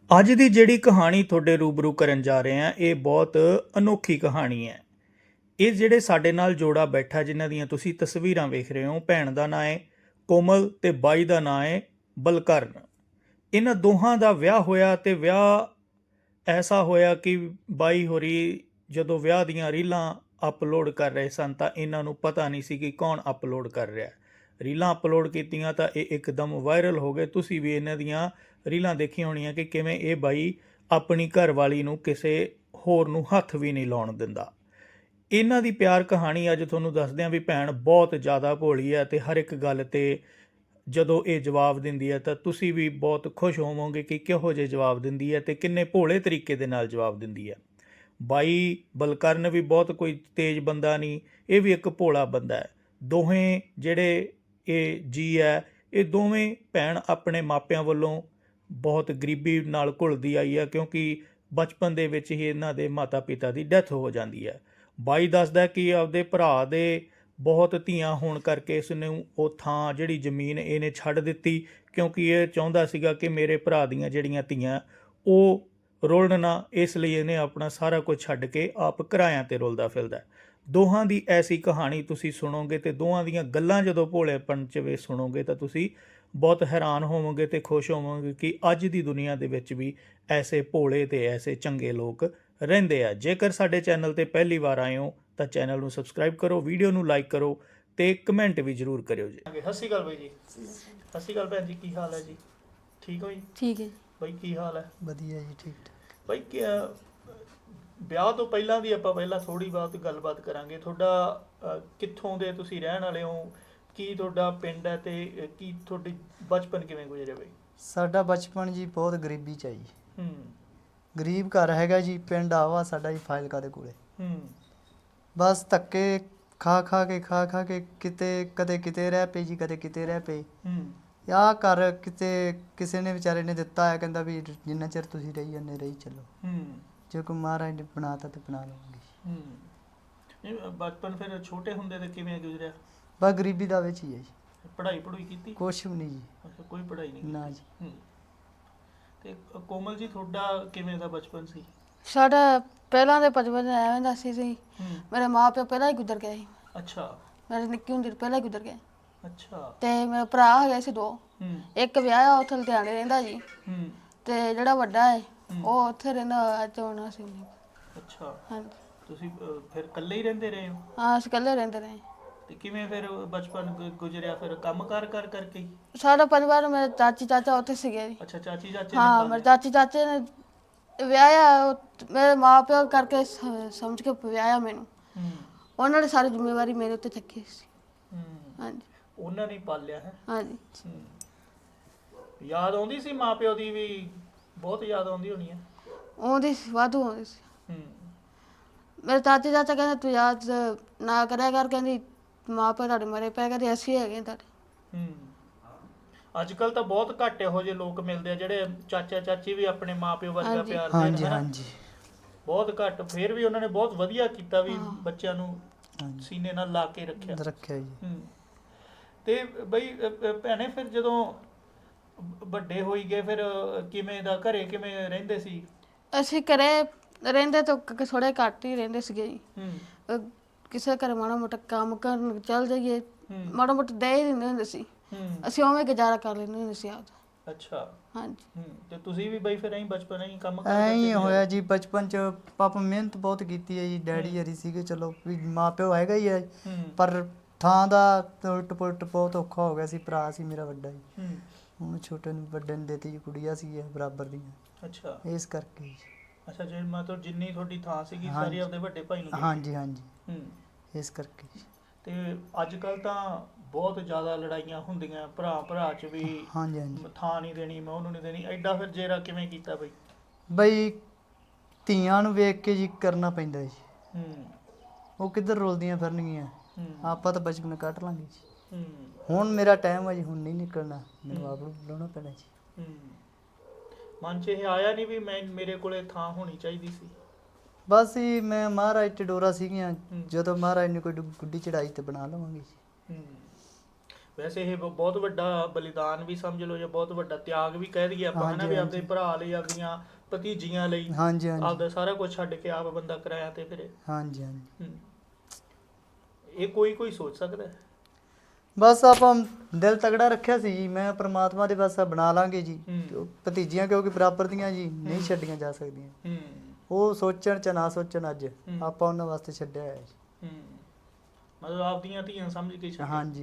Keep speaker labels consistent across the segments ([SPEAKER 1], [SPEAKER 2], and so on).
[SPEAKER 1] ਅੱਜ ਦੀ ਜਿਹੜੀ ਕਹਾਣੀ ਤੁਹਾਡੇ ਰੂਬਰੂ ਕਰਨ ਜਾ ਰਹੇ ਹਾਂ ਇਹ ਬਹੁਤ ਅਨੋਖੀ ਕਹਾਣੀ ਹੈ। ਇਹ ਜਿਹੜੇ ਸਾਡੇ ਨਾਲ ਜੋੜਾ ਬੈਠਾ ਜਿਨ੍ਹਾਂ ਦੀਆਂ ਤੁਸੀਂ ਤਸਵੀਰਾਂ ਵੇਖ ਰਹੇ ਹੋ, ਭੈਣ ਦਾ ਨਾਂ ਹੈ ਕੋਮਲ ਤੇ ਬਾਈ ਦਾ ਨਾਂ ਹੈ ਬਲਕਰਨ। ਇਹਨਾਂ ਦੋਹਾਂ ਦਾ ਵਿਆਹ ਹੋਇਆ ਤੇ ਵਿਆਹ ਐਸਾ ਹੋਇਆ ਕਿ ਬਾਈ ਹੋਰੀ ਜਦੋਂ ਵਿਆਹ ਦੀਆਂ ਰੀਲਾਂ ਅਪਲੋਡ ਕਰ ਰਹੇ ਸਨ ਤਾਂ ਇਹਨਾਂ ਨੂੰ ਪਤਾ ਨਹੀਂ ਸੀ ਕਿ ਕੌਣ ਅਪਲੋਡ ਕਰ ਰਿਹਾ। ਰੀਲਾਂ ਅਪਲੋਡ ਕੀਤੀਆਂ ਤਾਂ ਇਹ ਇੱਕਦਮ ਵਾਇਰਲ ਹੋ ਗਏ। ਤੁਸੀਂ ਵੀ ਇਹਨਾਂ ਦੀਆਂ ਰੀਲਾਂ ਦੇਖੀਆਂ ਹੋਣੀਆਂ ਕਿ ਕਿਵੇਂ ਇਹ ਬਾਈ ਆਪਣੀ ਘਰਵਾਲੀ ਨੂੰ ਕਿਸੇ ਹੋਰ ਨੂੰ ਹੱਥ ਵੀ ਨਹੀਂ ਲਾਉਣ ਦਿੰਦਾ। ਇਹਨਾਂ ਦੀ ਪਿਆਰ ਕਹਾਣੀ ਅੱਜ ਤੁਹਾਨੂੰ ਦੱਸਦੇ ਹਾਂ ਵੀ ਭੈਣ ਬਹੁਤ ਜ਼ਿਆਦਾ ਭੋਲੀ ਹੈ ਤੇ ਹਰ ਇੱਕ ਗੱਲ ਤੇ ਜਦੋਂ ਇਹ ਜਵਾਬ ਦਿੰਦੀ ਹੈ ਤਾਂ ਤੁਸੀਂ ਵੀ ਬਹੁਤ ਖੁਸ਼ ਹੋਵੋਗੇ ਕਿ ਕਿਹੋ ਜਿਹੇ ਜਵਾਬ ਦਿੰਦੀ ਹੈ ਤੇ ਕਿੰਨੇ ਭੋਲੇ ਤਰੀਕੇ ਦੇ ਨਾਲ ਜਵਾਬ ਦਿੰਦੀ ਹੈ। ਬਾਈ ਬਲਕਰਨ ਵੀ ਬਹੁਤ ਕੋਈ ਤੇਜ਼ ਬੰਦਾ ਨਹੀਂ, ਇਹ ਵੀ ਇੱਕ ਭੋਲਾ ਬੰਦਾ ਹੈ। ਦੋਵੇਂ ਜਿਹੜੇ ਇਹ ਜੀ ਹੈ ਇਹ ਦੋਵੇਂ ਭੈਣ ਆਪਣੇ ਮਾਪਿਆਂ ਵੱਲੋਂ ਬਹੁਤ ਗਰੀਬੀ ਨਾਲ ਘੁਲਦੀ ਆਈ ਹੈ ਕਿਉਂਕਿ ਬਚਪਨ ਦੇ ਵਿੱਚ ਹੀ ਇਹਨਾਂ ਦੇ ਮਾਤਾ ਪਿਤਾ ਦੀ ਡੈਥ ਹੋ ਜਾਂਦੀ ਹੈ। ਬਾਈ ਦੱਸਦਾ ਕਿ ਆਪਦੇ ਭਰਾ ਦੇ ਬਹੁਤ ਧੀਆਂ ਹੋਣ ਕਰਕੇ ਇਸ ਨੂੰ ਉਹ ਥਾਂ ਜਿਹੜੀ ਜ਼ਮੀਨ ਇਹਨੇ ਛੱਡ ਦਿੱਤੀ ਕਿਉਂਕਿ ਇਹ ਚਾਹੁੰਦਾ ਸੀਗਾ ਕਿ ਮੇਰੇ ਭਰਾ ਦੀਆਂ ਜਿਹੜੀਆਂ ਧੀਆਂ ਉਹ ਰੁਲਣ ਨਾ, ਇਸ ਲਈ ਇਹਨੇ ਆਪਣਾ ਸਾਰਾ ਕੁਝ ਛੱਡ ਕੇ ਆਪ ਕਿਰਾਇਆਂ 'ਤੇ ਰੁਲਦਾ ਫਿਰਦਾ। ਦੋਹਾਂ ਦੀ ਐਸੀ ਕਹਾਣੀ ਤੁਸੀਂ ਸੁਣੋਗੇ ਤੇ ਦੋਹਾਂ ਦੀਆਂ ਗੱਲਾਂ ਜਦੋਂ ਭੋਲੇਪਣ 'ਚ ਵੀ ਸੁਣੋਗੇ ਤਾਂ ਤੁਸੀਂ ਬਹੁਤ ਹੈਰਾਨ ਹੋਵੋਗੇ ਤੇ ਖੁਸ਼ ਹੋਵੋਗੇ ਕਿ ਅੱਜ ਦੀ ਦੁਨੀਆ ਦੇ ਵਿੱਚ ਵੀ ਐਸੇ ਭੋਲੇ ਤੇ ਐਸੇ ਚੰਗੇ ਲੋਕ ਰਹਿੰਦੇ ਆ। ਜੇਕਰ ਸਾਡੇ ਚੈਨਲ ਤੇ ਪਹਿਲੀ ਵਾਰ ਆਏ ਹੋ ਤਾਂ ਚੈਨਲ ਨੂੰ ਸਬਸਕ੍ਰਾਈਬ ਕਰੋ, ਵੀਡੀਓ ਨੂੰ ਲਾਈਕ ਕਰੋ ਤੇ ਕਮੈਂਟ ਵੀ ਜ਼ਰੂਰ ਕਰਿਓ ਜੀ। ਸਤਿ ਸ਼੍ਰੀ ਅਕਾਲ ਬਾਈ ਜੀ। ਸਤਿ ਸ਼੍ਰੀ ਅਕਾਲ ਭੈਣ ਜੀ, ਕੀ ਹਾਲ ਹੈ ਜੀ? ਠੀਕ ਹੋ ਜੀ?
[SPEAKER 2] ਠੀਕ ਹੈ ਜੀ।
[SPEAKER 1] ਬਾਈ ਕੀ ਹਾਲ ਹੈ?
[SPEAKER 3] ਵਧੀਆ ਜੀ, ਠੀਕ ਠਾਕ।
[SPEAKER 1] ਬਾਈ ਵਿਆਹ ਤੋਂ ਪਹਿਲਾਂ ਦੀ ਆਪਾਂ ਪਹਿਲਾਂ ਥੋੜੀ ਬਹੁਤ ਗੱਲਬਾਤ ਕਰਾਂਗੇ। ਤੁਹਾਡਾ ਕਿੱਥੋਂ ਦੇ ਤੁਸੀਂ ਰਹਿਣ ਵਾਲੇ ਹੋ, ਕੀ ਤੁਹਾਡਾ ਪਿੰਡ ਹੈ ਤੇ ਕੀ ਤੁਹਾਡੀ ਬਚਪਨ ਕਿਵੇਂ ਗੁਜ਼ਰਿਆ ਬਾਈ?
[SPEAKER 3] ਸਾਡਾ ਬਚਪਨ ਜੀ ਬਹੁਤ ਗਰੀਬੀ ਚ ਆ ਜੀ।
[SPEAKER 1] ਹੂੰ।
[SPEAKER 3] ਗਰੀਬ ਘਰ ਹੈਗਾ ਜੀ, ਪਿੰਡ ਆਵਾ ਸਾਡਾ ਜੀ ਫਾਜ਼ਿਲਕਾ ਦੇ ਕੋਲੇ।
[SPEAKER 1] ਹੂੰ।
[SPEAKER 3] ਬਸ ਧੱਕੇ ਖਾ ਖਾ ਕੇ ਕਿਤੇ ਕਦੇ ਕਿਤੇ ਰਹਿ ਪਈ ਜੀ, ਕਦੇ ਕਿਤੇ ਰਹਿ ਪਈ।
[SPEAKER 1] ਹੂੰ।
[SPEAKER 3] ਆਹ ਘਰ ਕਿਤੇ ਕਿਸੇ ਨੇ ਵਿਚਾਰੇ ਨੇ ਦਿੱਤਾ ਹੈ, ਕਹਿੰਦਾ ਵੀ ਜਿੰਨਾ ਚਿਰ ਤੁਸੀਂ ਰਹੀ ਜਾਂਦੇ ਰਹੀ ਚੱਲੋ,
[SPEAKER 1] ਹੂੰ।
[SPEAKER 3] ਜੇ ਕੋਈ ਮਹਾਰਾਜ ਨੇ ਬਣਾਤਾ ਤੇ ਬਣਾ ਲਵਾਂਗੇ।
[SPEAKER 1] ਹੂੰ। ਇਹ ਬਚਪਨ ਫਿਰ ਛੋਟੇ ਹੁੰਦੇ ਤੇ ਕਿਵੇਂ ਗੁਜ਼ਰਿਆ?
[SPEAKER 3] ਬਸ ਗਰੀਬੀ ਦਾ ਵਿੱਚ ਹੀ ਹੈ ਜੀ,
[SPEAKER 1] ਪੜ੍ਹਾਈ ਕੀਤੀ?
[SPEAKER 3] ਕੁਛ ਵੀ ਨਹੀਂ ਜੀ।
[SPEAKER 1] ਅੱਛਾ, ਕੋਈ ਪੜ੍ਹਾਈ ਨਹੀਂ
[SPEAKER 3] ਨਾ
[SPEAKER 1] ਕੀਤੀ।
[SPEAKER 3] ਜੀ।
[SPEAKER 1] ਹੂੰ। ਤੇ ਕੋਮਲ ਜੀ ਤੁਹਾਡਾ ਕਿਵੇਂ ਦਾ ਬਚਪਨ ਸੀ?
[SPEAKER 2] ਸਾਡਾ ਪਹਿਲਾਂ ਦੇ ਬਚਪਨ ਐਵੇਂ ਦਾ ਸੀ
[SPEAKER 1] ਹੂੰ।
[SPEAKER 2] ਮੇਰੇ ਮਾਂ ਪਿਓ ਪਹਿਲਾਂ ਹੀ ਗੁਜ਼ਰ ਗਏ ਸੀ।
[SPEAKER 1] ਅੱਛਾ।
[SPEAKER 2] ਮੇਰੇ ਨਿੱਕੀ ਹੁੰਦੀ ਪਹਿਲਾਂ ਹੀ ਗੁਜ਼ਰ ਗਏ
[SPEAKER 1] ਅੱਛਾ।
[SPEAKER 2] ਤੇ ਮੇਰੇ ਭਰਾ ਹੈਗੇ ਸੀ ਦੋ।
[SPEAKER 1] ਹੂੰ।
[SPEAKER 2] ਇੱਕ ਵਿਆਹਿਆ ਉੱਥੇ ਲੁਧਿਆਣੇ ਰਹਿੰਦਾ ਜੀ
[SPEAKER 1] ਹੂੰ।
[SPEAKER 2] ਤੇ ਜਿਹੜਾ ਵੱਡਾ ਹੈ
[SPEAKER 1] ਹੂੰ।
[SPEAKER 2] ਉਹ ਉੱਥੇ ਰਹਿੰਦਾ ਚੋਣਾ ਸੀ।
[SPEAKER 1] ਅੱਛਾ।
[SPEAKER 2] ਹਾਂਜੀ।
[SPEAKER 1] ਤੁਸੀਂ ਫਿਰ ਇਕੱਲੇ ਹੀ ਰਹਿੰਦੇ ਰਹੇ ਹੋ?
[SPEAKER 2] ਹਾਂ, ਅਸੀਂ ਇਕੱਲੇ ਰਹਿੰਦੇ ਰਹੇ।
[SPEAKER 1] ਤੇ ਕਿਵੇਂ ਫਿਰ ਬਚਪਨ ਗੁਜ਼ਰਿਆ? ਫਿਰ ਕੰਮ ਕਾਰ ਕਰਕੇ ਹੀ?
[SPEAKER 2] ਸਾਡਾ ਪਰਿਵਾਰ ਮੇਰੇ ਚਾਚੀ ਚਾਚਾ ਉੱਥੇ ਸੀਗੇ ਜੀ।
[SPEAKER 1] ਅੱਛਾ, ਚਾਚੀ ਚਾਚੇ ਨੇ
[SPEAKER 2] ਹਾਂ, ਮੇਰੇ ਚਾਚੀ ਚਾਚੇ ਨੇ ਵਿਆਹਿਆ ਮੇਰੇ ਮਾਂ ਪਿਓ ਕਰਕੇ ਸਮਝ ਕੇ ਵਿਆਹਿਆ ਮੈਨੂੰ।
[SPEAKER 1] ਹੂੰ।
[SPEAKER 2] ਉਹਨਾਂ ਨੇ ਸਾਰੀ ਜ਼ਿੰਮੇਵਾਰੀ ਮੇਰੇ ਉੱਤੇ ਚੱਕੀ ਸੀ।
[SPEAKER 1] ਹੂੰ।
[SPEAKER 2] ਹਾਂਜੀ।
[SPEAKER 1] ਉਹਨਾਂ ਨੇ ਪਾਲਿਆ ਹੈ।
[SPEAKER 2] ਹਾਂਜੀ।
[SPEAKER 1] ਹੂੰ। ਯਾਦ ਆਉਂਦੀ ਸੀ ਮਾਂ ਪਿਓ ਦੀ ਵੀ? ਬਹੁਤ ਯਾਦ ਆਉਂਦੀ ਹੋਣੀ ਹੈ।
[SPEAKER 2] ਆਉਂਦੀ ਸੀ, ਵਾਧੂ ਆਉਂਦੀ ਸੀ।
[SPEAKER 1] ਹੂੰ।
[SPEAKER 2] ਮੇਰੇ ਚਾਚੀ ਚਾਚਾ ਕਹਿੰਦੇ ਤੂੰ ਯਾਦ ਨਾ ਕਰਿਆ ਕਰ, ਕਹਿੰਦੀ ਮਾਂ ਪਿਓ ਤੁਹਾਡੇ ਮਰੇ ਪਏ, ਕਹਿੰਦੇ ਅਸੀਂ ਹੈਗੇ ਤੁਹਾਡੇ।
[SPEAKER 1] ਹੂੰ। ਅੱਜ ਕੱਲ ਤਾਂ ਬਹੁਤ ਘੱਟ ਇਹੋ ਜਿਹੇ ਲੋਕ ਮਿਲਦੇ ਆ ਜਿਹੜੇ ਚਾਚਾ ਚਾਚੀ ਵੀ ਆਪਣੇ ਮਾਂ ਪਿਓ ਵਰਗਾ
[SPEAKER 2] ਹਾਂਜੀ।
[SPEAKER 1] ਪਿਆਰ ਦੇਣ,
[SPEAKER 3] ਹਾਂਜੀ
[SPEAKER 1] ਹਨਾ?
[SPEAKER 3] ਹਾਂਜੀ
[SPEAKER 1] ਬਹੁਤ ਘੱਟ। ਫਿਰ ਵੀ ਉਹਨਾਂ ਨੇ ਬਹੁਤ ਵਧੀਆ ਕੀਤਾ ਵੀ
[SPEAKER 2] ਹਾਂ।
[SPEAKER 1] ਬੱਚਿਆਂ ਨੂੰ
[SPEAKER 3] ਹਾਂਜੀ
[SPEAKER 1] ਸੀਨੇ ਨਾਲ ਲਾ ਕੇ ਰੱਖਿਆ।
[SPEAKER 3] ਰੱਖਿਆ ਜੀ।
[SPEAKER 1] ਹੂੰ। ਤੇ ਬਈ ਭੈਣੇ ਫਿਰ ਜਦੋਂ ਵੱਡੇ ਹੋਈ ਗਏ ਫਿਰ ਕਿਵੇਂ ਦਾ ਘਰੇ ਕਿਵੇਂ ਰਹਿੰਦੇ ਸੀ?
[SPEAKER 2] ਅਸੀਂ ਘਰੇ ਰਹਿੰਦੇ ਤਾਂ ਥੋੜੇ ਘੱਟ ਹੀ ਰਹਿੰਦੇ ਸੀਗੇ ਜੀ।
[SPEAKER 1] ਹੂੰ।
[SPEAKER 2] ਕਿਸੇ ਘਰ ਮਾੜਾ ਮੋਟਾ ਕੰਮ ਕਰਨ ਚੱਲ ਜਾਈਏ,
[SPEAKER 1] ਹੂੰ।
[SPEAKER 2] ਮਾੜਾ ਮੋਟਾ ਦੇ ਹੀ ਦਿੰਦੇ ਹੁੰਦੇ ਸੀ।
[SPEAKER 1] ਹੂੰ।
[SPEAKER 2] ਅਸੀਂ ਉਵੇਂ ਗੁਜ਼ਾਰਾ ਕਰ ਲੈਂਦੇ ਹੁੰਦੇ ਸੀ ਆਪਦਾ।
[SPEAKER 1] ਅੱਛਾ।
[SPEAKER 2] ਹਾਂਜੀ।
[SPEAKER 1] ਹੂੰ। ਤੇ ਤੁਸੀਂ ਵੀ ਬਈ ਫਿਰ ਐਂ ਬਚਪਨ ਐਂ ਕੰਮ
[SPEAKER 3] ਐਂ ਹੀ
[SPEAKER 1] ਕਰਦੇ
[SPEAKER 3] ਹੋਇਆ ਜੀ ਬਚਪਨ ਚ। ਪਾਪਾ ਮਿਹਨਤ ਬਹੁਤ ਕੀਤੀ ਹੈ ਜੀ, ਡੈਡੀ ਹਰੀ ਸੀਗੇ, ਚਲੋ ਵੀ ਮਾਂ ਪਿਓ ਹੈਗਾ ਹੀ ਹੈ,
[SPEAKER 1] ਹੂੰ।
[SPEAKER 3] ਪਰ ਥਾਂ ਦਾ ਉਲਟ ਪੁਲਟ ਬਹੁਤ ਔਖਾ ਹੋ ਗਿਆ ਸੀ। ਭਰਾ ਸੀ ਮੇਰਾ ਵੱਡਾ ਜੀ,
[SPEAKER 1] ਹੂੰ।
[SPEAKER 3] ਹੁਣ ਛੋਟੇ ਨੂੰ ਵੱਡੇ ਨੂੰ ਦੇਤੀ ਜੀ, ਕੁੜੀਆਂ ਸੀ ਬਰਾਬਰ ਦੀਆਂ,
[SPEAKER 1] ਅੱਛਾ।
[SPEAKER 3] ਇਸ ਕਰਕੇ ਜੀ।
[SPEAKER 1] ਅੱਛਾ, ਜੇ ਮਤਲਬ ਜਿੰਨੀ ਤੁਹਾਡੀ ਥਾਂ ਸੀਗੀ ਸਾਰੀ
[SPEAKER 3] ਹਾਂਜੀ।
[SPEAKER 1] ਆਪਦੇ ਵੱਡੇ ਭਾਈ ਨੂੰ ਦੇ ਦਿੱਤੀ?
[SPEAKER 3] ਹਾਂਜੀ ਹਾਂਜੀ,
[SPEAKER 1] ਹੂੰ।
[SPEAKER 3] ਇਸ ਕਰਕੇ ਜੀ।
[SPEAKER 1] ਤੇ ਅੱਜ ਕੱਲ ਤਾਂ ਬਹੁਤ ਜ਼ਿਆਦਾ ਲੜਾਈਆਂ ਹੁੰਦੀਆਂ ਭਰਾ ਚ ਵੀ।
[SPEAKER 3] ਹਾਂਜੀ ਹਾਂਜੀ
[SPEAKER 1] ਥਾਂ ਨਹੀਂ ਦੇਣੀ, ਮੈਂ ਉਹਨੂੰ ਨਹੀਂ ਦੇਣੀ, ਐਡਾ ਫਿਰ ਜੇਰਾ ਕਿਵੇਂ ਕੀਤਾ ਬਈ?
[SPEAKER 3] ਬਈ ਧੀਆਂ ਨੂੰ ਵੇਖ ਕੇ ਜੀ ਕਰਨਾ ਪੈਂਦਾ ਜੀ,
[SPEAKER 1] ਹੂੰ।
[SPEAKER 3] ਉਹ ਕਿੱਧਰ ਰੁਲਦੀਆਂ ਫਿਰਨਗੀਆਂ,
[SPEAKER 1] ਹੂੰ।
[SPEAKER 3] ਆਪਾਂ ਤਾਂ ਬਚਪਨ ਕੱਟ ਲਾਂਗੇ ਜੀ।
[SPEAKER 1] ਹੂੰ।
[SPEAKER 3] ਹੁਣ ਮੇਰਾ ਟਾਈਮ ਹੈ ਜੀ, ਹੁਣ ਨਹੀਂ ਨਿਕਲਣਾ, ਮੈਨੂੰ ਆਪ ਨੂੰ ਬੁਲਾਉਣਾ ਪੈਣਾ ਜੀ।
[SPEAKER 1] ਹੂੰ। ਮਨ 'ਚ ਇਹ ਆਇਆ ਨਹੀਂ ਵੀ ਮੇਰੇ ਕੋਲੇ ਥਾਂ ਹੋਣੀ ਚਾਹੀਦੀ ਸੀ?
[SPEAKER 3] ਬਸ ਜੀ ਮੈਂ ਮਹਾਰਾਜ ਤੇ ਡੋਰਾ ਸੀਗੀਆਂ,
[SPEAKER 1] ਹੂੰ।
[SPEAKER 3] ਜਦੋਂ ਮਹਾਰਾਜ ਨੇ ਕੋਈ ਗੁੱਡੀ ਚੜਾਈ ਤੇ ਬਣਾ ਲਵਾਂਗੇ ਜੀ।
[SPEAKER 1] ਹੂੰ। ਵੈਸੇ ਇਹ ਬਹੁਤ ਵੱਡਾ ਬਲੀਦਾਨ ਵੀ ਸਮਝ ਲਓ ਜਾਂ ਬਹੁਤ ਵੱਡਾ ਤਿਆਗ ਵੀ ਕਹਿ ਦਈਏ ਆਪਾਂ, ਹਨਾ, ਵੀ ਆਪਦੇ ਭਰਾ ਲਈ, ਆਪਦੀਆਂ ਭਤੀਜੀਆਂ ਲਈ
[SPEAKER 3] ਹਾਂਜੀ ਹਾਂਜੀ
[SPEAKER 1] ਆਪਦਾ ਸਾਰਾ ਕੁਝ ਛੱਡ ਕੇ ਆਪ ਬੰਦਾ ਕਰਾਇਆ ਤੇ ਫਿਰ
[SPEAKER 3] ਹਾਂਜੀ ਹਾਂਜੀ
[SPEAKER 1] ਇਹ ਕੋਈ ਸੋਚ ਸਕਦਾ ਹੈ?
[SPEAKER 3] ਬਸ ਆਪਾਂ ਦਿਲ ਤਗੜਾ ਰੱਖਿਆ ਸੀ ਜੀ, ਮੈਂ ਪ੍ਰਮਾਤਮਾ ਦੇ ਬਸ ਬਣਾ ਲਾਂਗੇ ਜੀ।
[SPEAKER 1] ਹੂੰ।
[SPEAKER 3] ਭਤੀਜੀਆਂ ਕਿਉਂਕਿ ਬਰਾਬਰ ਦੀਆਂ ਜੀ, ਨਹੀਂ ਛੱਡੀਆਂ ਜਾ ਸਕਦੀਆਂ। ਉਹ ਸੋਚਣ ਚ ਨਾ ਸੋਚਣ, ਅੱਜ ਆਪਾਂ ਉਹਨਾਂ ਵਾਸਤੇ ਛੱਡਿਆ ਹੋਇਆ ਜੀ।
[SPEAKER 1] ਮਤਲਬ ਆਪਦੀਆਂ ਧੀਆਂ ਸਮਝ ਕੇ ਛੱਡਿਆ।
[SPEAKER 3] ਹਾਂਜੀ।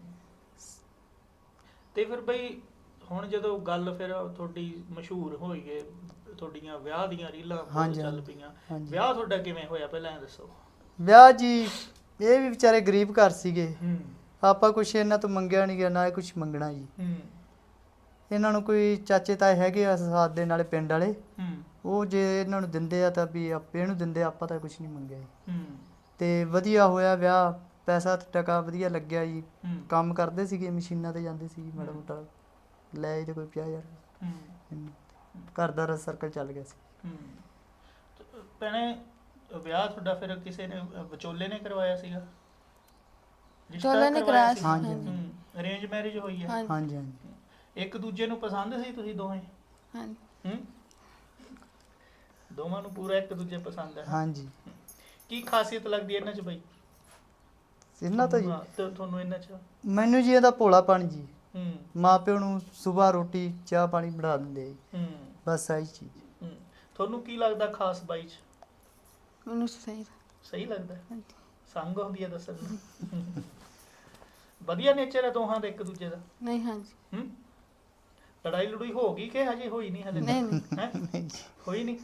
[SPEAKER 1] ਤੇ ਫਿਰ ਬਈ ਹੁਣ ਜਦੋਂ ਗੱਲ ਫਿਰ ਤੁਹਾਡੀ ਮਸ਼ਹੂਰ ਹੋਈ ਗਏ, ਤੁਹਾਡੀਆਂ ਵਿਆਹ ਦੀਆਂ ਰੀਲਾਂ ਬਹੁਤ ਚੱਲ ਪਈਆਂ, ਵਿਆਹ ਤੁਹਾਡਾ ਕਿਵੇਂ ਹੋਇਆ ਪਹਿਲਾਂ ਇਹ ਦੱਸੋ?
[SPEAKER 3] ਵਿਆਹ ਜੀ, ਇਹ ਵੀ ਵਿਚਾਰੇ ਗਰੀਬ ਘਰ ਸੀਗੇ, ਆਪਾਂ ਕੁਛ ਇਹਨਾਂ ਤੋਂ ਮੰਗਿਆ ਨਹੀਂ ਗਿਆ, ਨਾ ਇਹ ਕੁਛ ਮੰਗਣਾ ਜੀ। ਇਹਨਾਂ ਨੂੰ ਕੋਈ ਚਾਚੇ ਤਾਏ ਹੈਗੇ ਆ ਸਾਥ ਦੇ ਨਾਲੇ ਪਿੰਡ ਵਾਲੇ, ਉਹ ਜੇ ਇਹਨਾਂ ਨੂੰ ਦਿੰਦੇ ਆ ਤਾਂ ਵੀ ਆਪੇ ਇਹਨੂੰ ਦਿੰਦੇ, ਆਪਾਂ ਤਾਂ ਕੁਛ ਨਹੀਂ ਮੰਗਿਆ ਜੀ। ਤੇ ਵਧੀਆ ਹੋਇਆ ਵਿਆਹ, ਪੈਸਾ ਟਕਾ ਵਧੀਆ ਲੱਗਿਆ ਜੀ। ਕੰਮ ਕਰਦੇ ਸੀਗੇ, ਮਸ਼ੀਨਾਂ ਤੇ ਜਾਂਦੇ ਸੀ ਮਾੜਾ ਮੋਟਾ, ਲੈ ਤੇ ਕੋਈ 50,000 ਘਰ ਦਾ ਸਰਕਲ ਚੱਲ ਗਿਆ ਸੀ।
[SPEAKER 1] ਭੈਣੇ ਵਿਆਹ ਤੁਹਾਡਾ ਫਿਰ ਕਿਸੇ ਨੇ ਵਿਚੋਲੇ ਨੇ ਕਰਵਾਇਆ ਸੀਗਾ?
[SPEAKER 2] ਵਿਚੋਲੇ ਨੇ ਕਰਾਇਆ ਸੀ।
[SPEAKER 3] ਹਾਂਜੀ
[SPEAKER 1] ਅਰੇਂਜ ਮੈਰਿਜ ਹੋਈ ਹੈ?
[SPEAKER 3] ਹਾਂਜੀ ਹਾਂਜੀ।
[SPEAKER 1] ਇੱਕ ਦੂਜੇ ਨੂੰ ਪਸੰਦ ਸੀ ਤੁਸੀਂ ਦੋਵੇਂ?
[SPEAKER 2] ਹਾਂਜੀ।
[SPEAKER 1] ਦੋਵਾਂ ਨੂੰ ਪੂਰਾ ਇੱਕ ਦੂਜੇ ਪਸੰਦ ਹੈ?
[SPEAKER 3] ਹਾਂਜੀ।
[SPEAKER 1] ਕੀ ਖਾਸੀਅਤ ਲੱਗਦੀ ਹੈ ਇਹਨਾਂ 'ਚ ਬਈ?
[SPEAKER 3] ਇਹਨਾਂ ਤੋਂ ਜੀ
[SPEAKER 1] ਤੁਹਾਨੂੰ ਇਹਨਾਂ 'ਚ?
[SPEAKER 3] ਮੈਨੂੰ ਜੀ ਇਹਦਾ ਭੋਲਾਪਣ ਜੀ। ਮਾਂ ਪਿਓ ਨੂੰ ਸਵੇਰ ਰੋਟੀ ਚਾਹ ਪਾਣੀ ਬਣਾ ਦਿੰਦੇ ਜੀ, ਬਸ ਆਹੀ ਚੀਜ਼।
[SPEAKER 1] ਤੁਹਾਨੂੰ ਕੀ ਲੱਗਦਾ ਖਾਸ ਬਾਈ 'ਚ?
[SPEAKER 2] ਮੈਨੂੰ ਸਹੀ
[SPEAKER 1] ਲੱਗਦਾ? ਸੰਗ ਹੁੰਦੀ ਹੈ ਦੱਸਣ ਨੂੰ? ਵਧੀਆ ਨੇਚਰ ਹੈ ਦੋਹਾਂ ਦਾ ਇੱਕ ਦੂਜੇ ਦਾ?
[SPEAKER 2] ਨਹੀਂ। ਹਾਂਜੀ।
[SPEAKER 1] ਲੜਾਈ ਲੜੂਈ ਹੋ ਗਈ ਕਿ ਹਜੇ ਹੋਈ ਨਹੀਂ? ਹਲੇ
[SPEAKER 3] ਨਹੀਂ ਜੀ,
[SPEAKER 1] ਹੋਈ ਨਹੀਂ?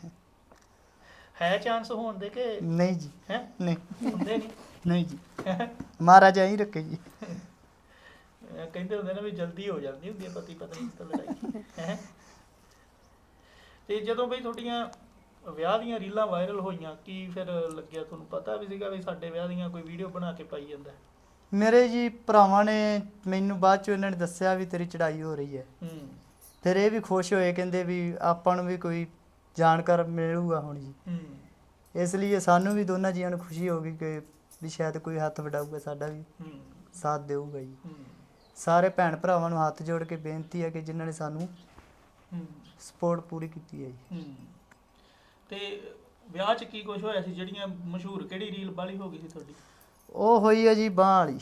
[SPEAKER 1] ਹੈ ਚਾਂਸ ਹੋਣ ਦੇ ਕਿ
[SPEAKER 3] ਨਹੀਂ ਜੀ?
[SPEAKER 1] ਹੈ
[SPEAKER 3] ਨਹੀਂ
[SPEAKER 1] ਹੁੰਦੇ ਨਹੀਂ?
[SPEAKER 3] ਨਹੀਂ ਜੀ, ਮਹਾਰਾਜਾ ਹੀ ਰੱਖੇ ਜੀ।
[SPEAKER 1] ਕਹਿੰਦੇ ਹੁੰਦੇ ਨਾ ਵੀ ਜਲਦੀ ਹੋ ਜਾਂਦੀ ਹੁੰਦੀ ਹੈ ਪਤੀ ਪਤਨੀ ਦੀ ਲੜਾਈ, ਹੈ। ਤੇ ਜਦੋਂ ਬਈ ਤੁਹਾਡੀਆਂ ਵਿਆਹ ਦੀਆਂ ਰੀਲਾਂ ਵਾਇਰਲ ਹੋਈਆਂ, ਕੀ ਫਿਰ ਲੱਗਿਆ ਤੁਹਾਨੂੰ? ਪਤਾ ਵੀ ਸੀਗਾ ਵੀ ਸਾਡੇ ਵਿਆਹ ਦੀਆਂ ਕੋਈ ਵੀਡੀਓ ਬਣਾ ਕੇ ਪਾਈ ਜਾਂਦਾ?
[SPEAKER 3] ਮੇਰੇ ਜੀ ਭਰਾਵਾਂ ਨੇ ਮੈਨੂੰ ਬਾਅਦ ਚੋਂ ਇਹਨਾਂ ਨੇ ਦੱਸਿਆ ਵੀ ਤੇਰੀ ਚੜਾਈ ਹੋ ਰਹੀ ਹੈ। ਫਿਰ ਇਹ ਵੀ ਖੁਸ਼ ਹੋਏ, ਕਹਿੰਦੇ ਵੀ ਆਪਾਂ ਨੂੰ ਵੀ ਕੋਈ ਜਾਣਕਾਰ ਮਿਲੂਗਾ ਹੁਣ ਜੀ। ਇਸ ਲਈ ਸਾਨੂੰ ਵੀ ਦੋਨਾਂ ਜੀਆਂ ਨੂੰ ਖੁਸ਼ੀ ਹੋ ਗਈ ਕਿ ਵੀ ਸ਼ਾਇਦ ਕੋਈ ਹੱਥ ਵਡਾਊਗਾ, ਸਾਡਾ ਵੀ ਸਾਥ ਦੇਊਗਾ ਜੀ। ਸਾਰੇ ਭੈਣ ਭਰਾਵਾਂ ਨੂੰ ਹੱਥ ਜੋੜ ਕੇ ਬੇਨਤੀ ਹੈ ਕਿ ਜਿਨ੍ਹਾਂ ਨੇ ਸਾਨੂੰ ਸਪੋਰਟ ਪੂਰੀ ਕੀਤੀ ਹੈ ਜੀ।
[SPEAKER 1] ਤੇ ਵਿਆਹ 'ਚ ਕੀ ਕੁਝ ਹੋਇਆ ਸੀ? ਜਿਹੜੀਆਂ ਮਸ਼ਹੂਰ ਕਿਹੜੀ ਰੀਲ ਵਾਲੀ ਹੋ ਗਈ ਸੀ ਤੁਹਾਡੀ?
[SPEAKER 3] ਉਹ ਹੋਈ ਹੈ ਜੀ ਬਾਂਹ ਵਾਲੀ।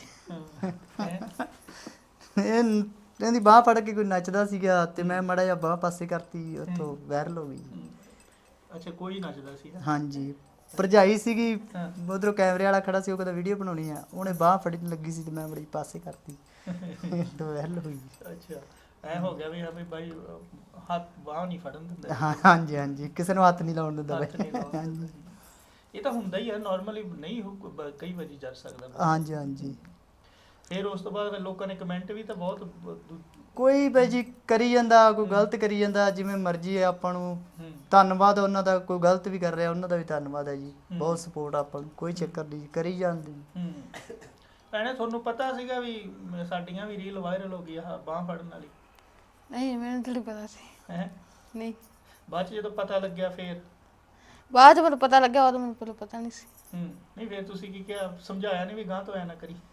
[SPEAKER 3] ਇਹਦੀ ਬਾਂਹ ਫੜ ਕੇ ਕੋਈ ਨੱਚਦਾ ਸੀਗਾ ਤੇ ਮੈਂ ਮਾੜਾ ਜਿਹਾ ਬਾਂਹ ਪਾਸੇ ਕਰਤੀ, ਉੱਥੋਂ ਵਾਇਰਲ ਹੋ ਗਈ।
[SPEAKER 1] ਅੱਛਾ, ਕੋਈ ਨੱਚਦਾ ਸੀ?
[SPEAKER 3] ਹਾਂਜੀ। ਭਰਜਾਈ ਸੀਗੀ, ਉਧਰੋਂ ਕੈਮਰੇ ਵਾਲਾ ਖੜਾ ਸੀ, ਉਹ ਕਹਿੰਦਾ ਵੀਡੀਓ ਬਣਾਉਣੀ ਆ, ਉਹਨੇ ਬਾਂਹ ਫੜੀ ਲੱਗੀ ਸੀ ਤੇ ਮੈਂ ਬੜੀ ਪਾਸੇ ਕਰਤੀ ਤੇ ਵਾਇਰਲ ਹੋਈ।
[SPEAKER 1] ਅੱਛਾ, ਐ ਹੋ ਗਿਆ ਵੀ ਹਾਂ ਵੀ ਬਾਈ ਹੱਥ ਬਾਂਹ ਨਹੀਂ ਫੜਨ ਦਿੰਦਾ?
[SPEAKER 3] ਹਾਂਜੀ ਹਾਂਜੀ, ਕਿਸੇ ਨੂੰ ਹੱਥ ਨਹੀਂ ਲਾਉਣ ਦਿੰਦਾ
[SPEAKER 1] ਹਾਂਜੀ। ਇਹ ਤਾਂ ਹੁੰਦਾ ਹੀ ਹੈ ਨਾਰਮਲੀ, ਨਹੀਂ ਕਈ ਵਾਰੀ ਜਰ ਸਕਦਾ।
[SPEAKER 3] ਹਾਂਜੀ ਹਾਂਜੀ।
[SPEAKER 1] ਫਿਰ ਉਸ ਤੋਂ ਬਾਅਦ ਲੋਕਾਂ ਨੇ ਕਮੈਂਟ ਵੀ ਤਾਂ ਬਹੁਤ
[SPEAKER 3] ਕੋਈ ਬਈ ਜੀ ਕਰੀ ਜਾਂਦਾ, ਕੋਈ ਗਲਤ ਕਰੀ ਜਾਂਦਾ, ਜਿਵੇਂ ਮਰਜ਼ੀ ਹੈ। ਆਪਾਂ ਨੂੰ ਧੰਨਵਾਦ ਉਹਨਾਂ ਦਾ, ਕੋਈ ਗਲਤ ਵੀ ਕਰ ਰਿਹਾ ਉਹਨਾਂ ਦਾ ਵੀ ਧੰਨਵਾਦ ਹੈ ਜੀ। ਬਹੁਤ ਸਪੋਰਟ ਆਪਾਂ ਨੂੰ, ਕੋਈ ਚੱਕਰ ਨਹੀਂ, ਕਰੀ ਜਾਂਦੇ।
[SPEAKER 1] ਭੈਣੇ ਤੁਹਾਨੂੰ ਪਤਾ ਸੀਗਾ ਵੀ ਸਾਡੀਆਂ ਵੀ ਰੀਲ ਵਾਇਰਲ ਹੋ ਗਈ ਆ ਬਾਂਹ ਫੜਨ ਵਾਲੀ?
[SPEAKER 2] ਨਹੀਂ, ਮੈਨੂੰ ਥੋੜੀ ਪਤਾ ਸੀ।
[SPEAKER 1] ਹੈ
[SPEAKER 2] ਨਹੀਂ,
[SPEAKER 1] ਬਾਅਦ 'ਚ ਜਦੋਂ ਪਤਾ ਲੱਗਿਆ ਫਿਰ?
[SPEAKER 2] ਬਾਅਦ 'ਚ ਮੈਨੂੰ ਪਤਾ ਲੱਗਿਆ, ਉਦੋਂ ਮੈਨੂੰ ਪਹਿਲਾਂ ਪਤਾ ਨਹੀਂ ਸੀ।
[SPEAKER 1] ਨਹੀਂ ਫਿਰ ਤੁਸੀਂ ਕੀ ਕਿਹਾ? ਸਮਝਾਇਆ ਨਹੀਂ ਵੀ ਗਾਂ ਤੋਂ ਐ ਨਾ ਕਰੀ?